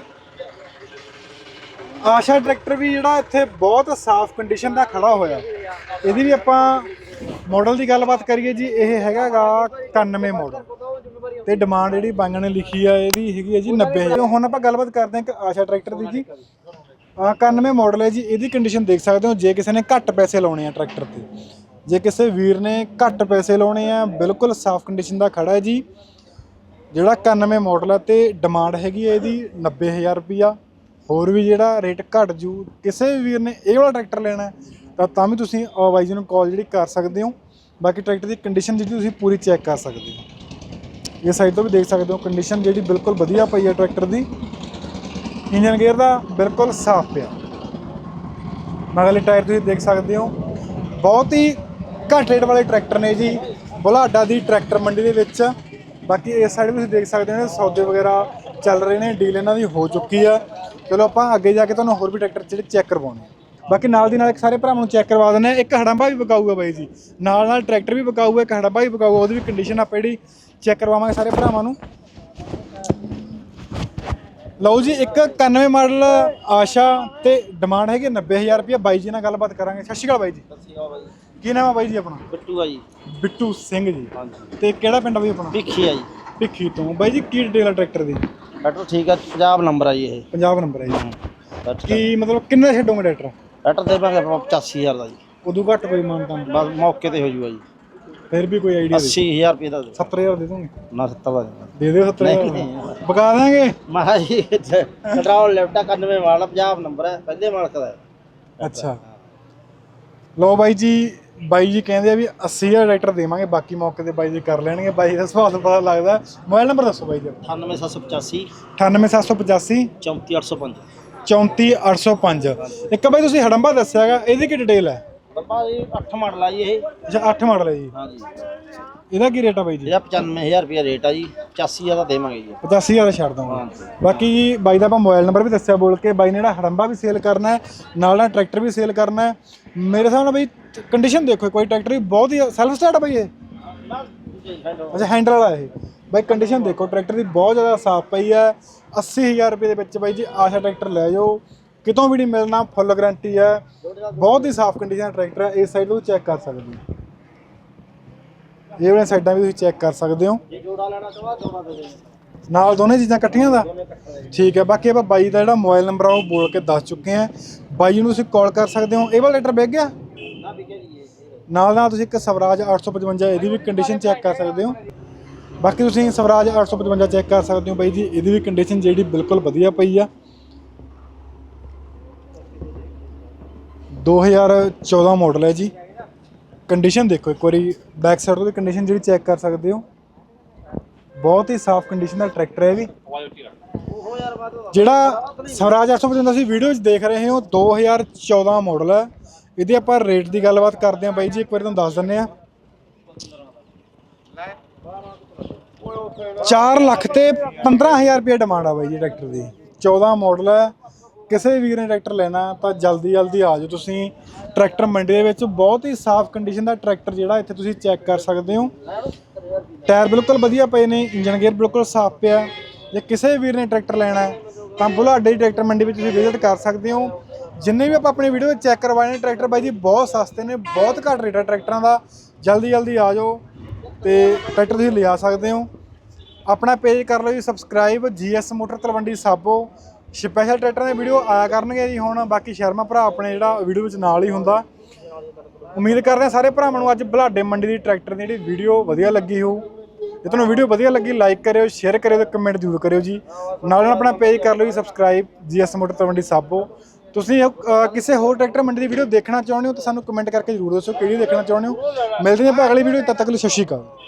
A: ਆਸ਼ਾ ਟਰੈਕਟਰ ਵੀ ਜਿਹੜਾ ਇੱਥੇ ਬਹੁਤ ਸਾਫ਼ ਕੰਡੀਸ਼ਨ ਦਾ ਖੜਾ ਹੋਇਆ। ਇਹਦੀ ਵੀ ਆਪਾਂ ਮਾਡਲ ਦੀ ਗੱਲਬਾਤ ਕਰੀਏ ਜੀ, ਇਹ ਹੈਗਾ ਗਾ ਇਕਾਨਵੇਂ ਮਾਡਲ ਤੇ ਡਿਮਾਂਡ ਜਿਹੜੀ ਬਾਈਆਂ ਨੇ ਲਿਖੀ ਆ ਇਹਦੀ ਹੈਗੀ ਹੈ ਜੀ ਨੱਬੇ ਹਜ਼ਾਰ। ਹੁਣ ਆਪਾਂ ਗੱਲਬਾਤ ਕਰਦੇ ਹਾਂ ਇੱਕ ਆਸ਼ਾ ਟਰੈਕਟਰ ਦੀ ਜੀ। ਇਕਾਨਵੇਂ ਮਾਡਲ ਹੈ ਜੀ। ਇਹਦੀ ਕੰਡੀਸ਼ਨ ਦੇਖ ਸਕਦੇ ਹੋ। ਜੇ ਕਿਸੇ ਨੇ ਘੱਟ ਪੈਸੇ ਲਾਉਣੇ ਆ ਟਰੈਕਟਰ ਤੇ, ਜੇ ਕਿਸੇ ਵੀਰ ਨੇ ਘੱਟ ਪੈਸੇ ਲਾਉਣੇ ਆ, ਬਿਲਕੁਲ ਸਾਫ਼ ਕੰਡੀਸ਼ਨ ਦਾ ਖੜਾ ਹੈ ਜੀ। ਜਿਹੜਾ ਇਕਾਨਵੇਂ ਮਾਡਲ ਹੈ ਤੇ ਡਿਮਾਂਡ ਹੈਗੀ ਹੈ ਇਹਦੀ ਨੱਬੇ ਹਜ਼ਾਰ ਰੁਪਈਆ। ਹੋਰ ਵੀ ਜਿਹੜਾ ਰੇਟ ਘੱਟ ਜੂ। ਕਿਸੇ ਵੀ ਵੀਰ ਨੇ ਇਹ ਵਾਲਾ ਟਰੈਕਟਰ ਲੈਣਾ ਤਾਂ ਤਾਂ ਵੀ ਤੁਸੀਂ ਬਾਈ ਜੀ ਨੂੰ ਕਾਲ ਜਿਹੜੀ ਕਰ ਸਕਦੇ ਹੋ। ਬਾਕੀ ਟਰੈਕਟਰ ਦੀ ਕੰਡੀਸ਼ਨ ਜਿਹੜੀ ਤੁਸੀਂ ਪੂਰੀ ਚੈੱਕ ਕਰ ਸਕਦੇ ਹੋ। ਇਹ ਸਾਈਡ ਤੋਂ ਵੀ ਦੇਖ ਸਕਦੇ ਹੋ ਕੰਡੀਸ਼ਨ ਜਿਹੜੀ ਬਿਲਕੁਲ ਵਧੀਆ ਪਈ ਹੈ ਟਰੈਕਟਰ ਦੀ। ਇੰਜਨ ਗੇਅਰ ਦਾ ਬਿਲਕੁਲ ਸਾਫ਼ ਪਿਆ। ਮਗਲੇ ਟਾਇਰ ਤੁਸੀਂ ਦੇਖ ਸਕਦੇ ਹੋ। ਬਹੁਤ ਹੀ ਘੱਟ ਰੇਟ ਵਾਲੇ ਟਰੈਕਟਰ ਨੇ ਜੀ ਬੁਲਾਡਾ ਦੀ ਟਰੈਕਟਰ ਮੰਡੀ ਦੇ ਵਿੱਚ। ਬਾਕੀ ਇਸ ਸਾਈਡ ਵੀ ਤੁਸੀਂ ਦੇਖ ਸਕਦੇ ਹੋ ਸੌਦੇ ਵਗੈਰਾ ਚੱਲ ਰਹੇ ਨੇ, ਡੀਲ ਇਹਨਾਂ ਦੀ ਹੋ ਚੁੱਕੀ ਆ। ਚਲੋ ਆਪਾਂ ਅੱਗੇ ਜਾ ਕੇ ਤੁਹਾਨੂੰ ਹੋਰ ਵੀ ਟਰੈਕਟਰ ਜਿਹੜੇ ਚੈੱਕ ਕਰਵਾਉਣੇ ਆ। ਬਾਕੀ ਨਾਲ ਦੀ ਨਾਲ ਇੱਕ ਸਾਰੇ ਭਰਾਵਾਂ ਨੂੰ ਚੈੱਕ ਕਰਵਾ ਦਿੰਦੇ ਆ। ਇੱਕ ਹੜੰਬਾ ਵੀ ਵਿਕਾਊਗਾ ਬਾਈ ਜੀ, ਨਾਲ ਨਾਲ ਟਰੈਕਟਰ ਵੀ ਵਿਕਾਊਗਾ, ਇੱਕ ਹੜੰਬਾ ਵੀ ਵਿਕਾਊਗਾ, ਉਹਦੀ ਵੀ ਕੰਡੀਸ਼ਨ ਆਪਾਂ ਜਿਹੜੀ ਚੈੱਕ ਕਰਵਾਵਾਂਗੇ ਸਾਰੇ ਭਰਾਵਾਂ ਨੂੰ। ਲਓ ਜੀ, ਇੱਕ ਇਕਾਨਵੇਂ ਮਾਡਲ ਆਸ਼ਾ ਤੇ ਡਿਮਾਂਡ ਹੈਗੀ ਨੱਬੇ ਹਜ਼ਾਰ ਰੁਪਏ। ਬਾਈ ਜੀ ਨਾਲ ਗੱਲਬਾਤ ਕਰਾਂਗੇ। ਸਤਿ ਸ਼੍ਰੀ ਅਕਾਲ ਬਾਈ ਜੀ।
E: ਸਤਿ ਸ਼੍ਰੀ ਅਕਾਲ ਬਾਈ।
A: ਕੀ ਨਾਮ ਹੈ ਬਾਈ ਜੀ ਆਪਣਾ?
E: ਬਿੱਟੂ ਆ ਜੀ।
A: ਬਿੱਟੂ ਸਿੰਘ ਜੀ।
E: ਹਾਂਜੀ।
A: ਤੇ ਕਿਹੜਾ ਪਿੰਡ ਬਾਈ ਆਪਣਾ?
E: ਭਿੱਖੀ ਆ ਜੀ।
A: ਭਿੱਖੀ ਤੋਂ। ਬਾਈ ਜੀ ਕੀ ਡਿਟੇਲ ਆ ਟਰੈਕਟਰ ਦੀ?
E: ਟਰੈਕਟਰ ਠੀਕ ਆ, ਪੰਜਾਬ ਨੰਬਰ ਆ ਜੀ ਇਹ।
A: ਪੰਜਾਬ ਨੰਬਰ ਹੈ ਜੀ।
E: ਟਰੈਕਟਰ
A: ਕੀ ਮਤਲਬ ਕਿੰਨੇ ਛੱਡੋਗੇ ਟਰੈਕਟਰ?
E: ਟਰੈਕਟਰ ਦੇਵਾਂਗੇ ਆਪਾਂ ਪਚਾਸੀ ਹਜ਼ਾਰ ਦਾ ਜੀ।
A: ਉਦੋਂ ਘੱਟ ਕੋਈ ਮਾਨਤਾ?
E: ਬਸ ਮੌਕੇ ਤੇ ਹੋ ਜੂਗਾ ਜੀ।
A: ਫਿਰ ਵੀ ਕੋਈ ਆਈਡੀਆ?
E: ਅੱਸੀ ਹਜ਼ਾਰ ਰੁਪਏ ਦਾ ਦੇ।
A: ਸੱਤਰ ਹਜ਼ਾਰ ਦੇ ਦੋਗੇ?
E: ਨਾ ਸੱਤਰ ਦਾ ਦੇਣਾ।
A: ਦੇ ਦਿਓ ਸੱਤਰ
E: ਨਹੀਂ,
A: ਹਜ਼ਾਰ
E: ਨਹੀਂ।
A: ਬਕਾ ਦਾਂਗੇ।
E: ਮਹਾ ਜੀ ਕੰਟਰੋਲ ਲੈਫਟਾ ਇਕਾਨਵੇਂ ਵਾਲਾ ਪੰਜਾਬ ਨੰਬਰ ਹੈ, ਪਹਿਲੇ ਮਾਲਕ ਦਾ ਹੈ।
A: ਅੱਛਾ, ਲਓ ਬਾਈ ਜੀ, ਬਾਈ ਜੀ ਕਹਿੰਦੇ ਆ ਵੀ ਅੱਸੀ ਹਜ਼ਾਰ ਟਰੈਕਟਰ ਦੇਵਾਂਗੇ, ਬਾਕੀ ਮੌਕੇ ਤੇ ਬਾਈ ਜੀ ਕਰ ਲੈਣਗੇ। ਬਾਈ ਦਾ ਸੁਭਾਅ ਤੋਂ ਪਤਾ ਲੱਗਦਾ। ਮੋਬਾਈਲ ਨੰਬਰ ਦੱਸੋ ਬਾਈ ਜੀ।
E: ਅਠਾਨਵੇਂ ਸੱਤ ਸੌ ਪਚਾਸੀ
A: ਅਠਾਨਵੇਂ ਸੱਤ ਸੌ ਪਚਾਸੀ
E: ਚੌਂਤੀ ਅੱਠ ਸੌ ਪੰਜ
A: ਚੌਂਤੀ ਅੱਠ ਸੌ ਪੰਜ। ਇੱਕ ਬਾਈ ਤੁਸੀਂ ਹੜੰਬਾ ਦੱਸਿਆ ਹੈਗਾ, ਇਹਦੀ ਕੀ ਡਿਟੇਲ ਹੈ?
E: ਬੱਬਾ ਜੀ ਅੱਠ ਮਾਡਲ ਆ ਜੀ ਇਹ।
A: ਅੱਛਾ, ਅੱਠ ਮਾਡਲ ਹੈ ਜੀ।
E: ਹਾਂਜੀ।
A: ਇਹਦਾ ਕੀ ਰੇਟ ਆ ਬਾਈ ਜੀ?
E: ਇਹਦਾ ਪਚਾਨਵੇਂ ਹਜ਼ਾਰ ਰੁਪਏ ਰੇਟ ਆ ਜੀ, ਪਚਾਸੀ ਹਜ਼ਾਰ ਦਾ ਦੇਵਾਂਗੇ ਜੀ।
A: ਪਚਾਸੀ ਹਜ਼ਾਰ ਛੱਡ ਦਵਾਂਗੇ।
E: ਹਾਂਜੀ।
A: ਬਾਕੀ ਜੀ ਬਾਈ ਦਾ ਆਪਾਂ ਮੋਬਾਈਲ ਨੰਬਰ ਵੀ ਦੱਸਿਆ ਬੋਲ ਕੇ। ਬਾਈ ਨੇ ਜਿਹੜਾ ਹੜੰਬਾ ਵੀ ਸੇਲ ਕਰਨਾ ਹੈ, ਨਾਲ ਨਾਲ ਟਰੈਕਟਰ ਵੀ ਸੇਲ ਕਰਨਾ ਹੈ। ਮੇਰੇ ਹਿਸਾਬ ਨਾਲ ਬਾਈ ਕੰਡੀਸ਼ਨ ਦੇਖੋ, ਕੋਈ ਟਰੈਕਟਰ ਵੀ ਬਹੁਤ ਹੀ ਸੈਲਫ ਸਟਾਰਟ ਆ ਬਾਈ ਇਹ? ਅੱਛਾ, ਹੈਂਡਲ ਵਾਲਾ ਇਹ। ਬਾਈ ਕੰਡੀਸ਼ਨ ਦੇਖੋ ਟਰੈਕਟਰ ਦੀ ਬਹੁਤ ਜ਼ਿਆਦਾ ਸਾਫ਼ ਪਈ ਹੈ। ਅੱਸੀ ਹਜ਼ਾਰ ਰੁਪਏ ਦੇ ਵਿੱਚ ਬਾਈ ਜੀ ਆਸ਼ਾ ਟਰੈਕਟਰ ਲੈ ਜਾਓ, ਕਿਤੋਂ ਵੀ ਨਹੀਂ ਮਿਲਣਾ, ਫੁੱਲ ਗਾਰੰਟੀ ਹੈ। ਬਹੁਤ ਹੀ ਸਾਫ਼ ਕੰਡੀਸ਼ਨ ਟਰੈਕਟਰ ਹੈ। ਇਸ ਸਾਈਡ ਤੋਂ ਚੈੱਕ ਕਰ ਸਕਦੇ ਹੋ, ਇਹ ਵਾਲੀਆਂ ਸਾਈਡਾਂ ਵੀ ਤੁਸੀਂ ਚੈੱਕ ਕਰ ਸਕਦੇ ਹੋ।
E: ਜੇ ਜੋੜਾ ਲੈਣਾ ਚਾਹਵਾ ਜੋੜਾ ਦੇ ਦੇ
A: ਨਾਲ ਦੋਨੇ ਚੀਜ਼ਾਂ ਇਕੱਠੀਆਂ ਦਾ ਠੀਕ ਹੈ। ਬਾਕੀ ਆਪਾਂ ਬਾਈ ਦਾ ਜਿਹੜਾ ਮੋਬਾਈਲ ਨੰਬਰ ਆ ਉਹ ਬੋਲ ਕੇ ਦੱਸ ਚੁੱਕੇ ਹਾਂ। ਬਾਈ ਨੂੰ ਤੁਸੀਂ ਕਾਲ ਕਰ ਸਕਦੇ ਹੋ। ਇਹ ਵਾਲਾ ਲੈਟਰ ਵਿਕ ਗਿਆ
E: ਨਾ ਵਿਕੇ ਜੀ ਇਹ।
A: ਨਾਲ ਨਾਲ ਤੁਸੀਂ ਇੱਕ ਸਵਰਾਜ ਅੱਠ ਸੌ ਪਚਵੰਜਾ ਇਹਦੀ ਵੀ ਕੰਡੀਸ਼ਨ ਚੈੱਕ ਕਰ ਸਕਦੇ ਹੋ। ਬਾਕੀ ਤੁਸੀਂ ਸਵਰਾਜ ਅੱਠ ਸੌ ਪਚਵੰਜਾ ਚੈੱਕ ਕਰ ਸਕਦੇ ਹੋ ਬਾਈ ਜੀ, ਇਹਦੀ ਵੀ ਕੰਡੀਸ਼ਨ ਜਿਹੜੀ ਬਿਲਕੁਲ ਵਧੀਆ ਪਈ ਆ। ਦੋ ਹਜ਼ਾਰ ਚੌਦਾਂ ਮਾਡਲ ਹੈ ਜੀ। ਕੰਡੀਸ਼ਨ ਦੇਖੋ ਇੱਕ ਵਾਰੀ, ਬੈਕ ਸਾਈਡ ਤੋਂ ਕੰਡੀਸ਼ਨ ਜਿਹੜੀ ਚੈੱਕ ਕਰ ਸਕਦੇ ਹੋ। ਬਹੁਤ ਹੀ ਸਾਫ਼ ਕੰਡੀਸ਼ਨ ਦਾ ਟਰੈਕਟਰ ਹੈ ਵੀ। ਜਿਹੜਾ ਸਵਰਾਜ ਅੱਠ ਸੌ ਪਚਵੰਜਾ ਤੁਸੀਂ ਵੀਡੀਓ 'ਚ ਦੇਖ ਰਹੇ ਹੋ ਦੋ ਹਜ਼ਾਰ ਚੌਦਾਂ ਮਾਡਲ ਹੈ। ਇਹਦੇ ਆਪਾਂ ਰੇਟ ਦੀ ਗੱਲਬਾਤ ਕਰਦੇ ਹਾਂ ਬਾਈ ਜੀ, ਇੱਕ ਵਾਰੀ ਤੁਹਾਨੂੰ ਦੱਸ ਦਿੰਦੇ ਹਾਂ। ਚਾਰ ਲੱਖ ਤੇ ਪੰਦਰਾਂ ਹਜ਼ਾਰ ਰੁਪਏ ਡਿਮਾਂਡ ਆ ਬਾਈ ਜੀ ਟਰੈਕਟਰ ਦੀ। ਚੌਦਾਂ ਮਾਡਲ ਹੈ। ਕਿਸੇ ਵੀ ਵੀਰ ਨੇ ਟਰੈਕਟਰ ਲੈਣਾ ਤਾਂ ਜਲਦੀ ਜਲਦੀ ਆ ਜਾਓ ਤੁਸੀਂ ਟਰੈਕਟਰ ਮੰਡੀ ਦੇ ਵਿੱਚ। ਬਹੁਤ ਹੀ ਸਾਫ਼ ਕੰਡੀਸ਼ਨ ਦਾ ਟਰੈਕਟਰ ਜਿਹੜਾ ਇੱਥੇ ਤੁਸੀਂ ਚੈੱਕ ਕਰ ਸਕਦੇ ਹੋ। ਟਾਇਰ ਬਿਲਕੁਲ ਵਧੀਆ ਪਏ ਨੇ, ਇੰਜਨ ਗੇਅਰ ਬਿਲਕੁਲ ਸਾਫ਼ ਪਿਆ। ਜੇ ਕਿਸੇ ਵੀਰ ਨੇ ਟਰੈਕਟਰ ਲੈਣਾ ਹੈ ਤਾਂ ਬੁਲਾਡੇ ਦੀ ਟਰੈਕਟਰ ਮੰਡੀ ਵਿੱਚ ਤੁਸੀਂ ਵਿਜ਼ਿਟ ਕਰ ਸਕਦੇ ਹੋ। ਜਿੰਨੇ ਵੀ ਆਪਾਂ ਆਪਣੀ ਵੀਡੀਓ ਵਿੱਚ ਚੈੱਕ ਕਰਵਾਏ ਨੇ ਟਰੈਕਟਰ ਬਾਈ ਜੀ ਬਹੁਤ ਸਸਤੇ ਨੇ, ਬਹੁਤ ਘੱਟ ਰੇਟ ਹੈ ਟਰੈਕਟਰਾਂ ਦਾ। ਜਲਦੀ ਜਲਦੀ ਆ ਜਾਓ ਤੇ ਟਰੈਕਟਰ ਤੁਸੀਂ ਲਿਆ ਸਕਦੇ ਹੋ। ਆਪਣਾ ਪੇਜ ਕਰ ਲਓ ਜੀ subscribe, G S motor Talwandi Sabo. Special ਟਰੈਕਟਰਾਂ ਦੀ ਵੀਡੀਓ ਆਇਆ ਕਰਨਗੇ ਜੀ ਹੁਣ। ਬਾਕੀ ਸ਼ਰਮਾ ਭਰਾ ਆਪਣੇ ਜਿਹੜਾ ਵੀਡੀਓ ਵਿੱਚ ਨਾਲ ਹੀ ਹੁੰਦਾ। ਉਮੀਦ ਕਰਦੇ ਹਾਂ ਸਾਰੇ ਭਰਾਵਾਂ ਨੂੰ ਅੱਜ ਬੁਲਾਡੇ ਮੰਡੀ ਦੀ ਟਰੈਕਟਰ ਦੀ ਜਿਹੜੀ ਵੀਡੀਓ ਵਧੀਆ ਲੱਗੀ ਹੋਊ। ਜੇ ਤੁਹਾਨੂੰ ਵੀਡੀਓ ਵਧੀਆ ਲੱਗੀ ਲਾਈਕ ਕਰਿਓ, ਸ਼ੇਅਰ ਕਰਿਓ ਤੇ ਕਮੈਂਟ ਜ਼ਰੂਰ ਕਰਿਓ ਜੀ। ਨਾਲ ਨਾਲ ਆਪਣਾ ਪੇਜ ਕਰ ਲਓ ਜੀ subscribe, G S motor Talwandi Sabo. ਤੁਸੀਂ ਕਿਸੇ ਹੋਰ ਟਰੈਕਟਰ ਮੰਡੀ ਦੀ ਵੀਡੀਓ ਦੇਖਣਾ ਚਾਹੁੰਦੇ ਹੋ ਤਾਂ ਸਾਨੂੰ ਕਮੈਂਟ ਕਰਕੇ ਜ਼ਰੂਰ ਦੱਸੋ ਕਿਹੜੀ ਦੇਖਣਾ ਚਾਹੁੰਦੇ ਹੋ। ਮਿਲਦੇ ਹਾਂ ਆਪਾਂ ਅਗਲੀ ਵੀਡੀਓ, ਤਦ ਤੱਕ ਲਈ ਸਤਿ ਸ਼੍ਰੀ ਅਕਾਲ।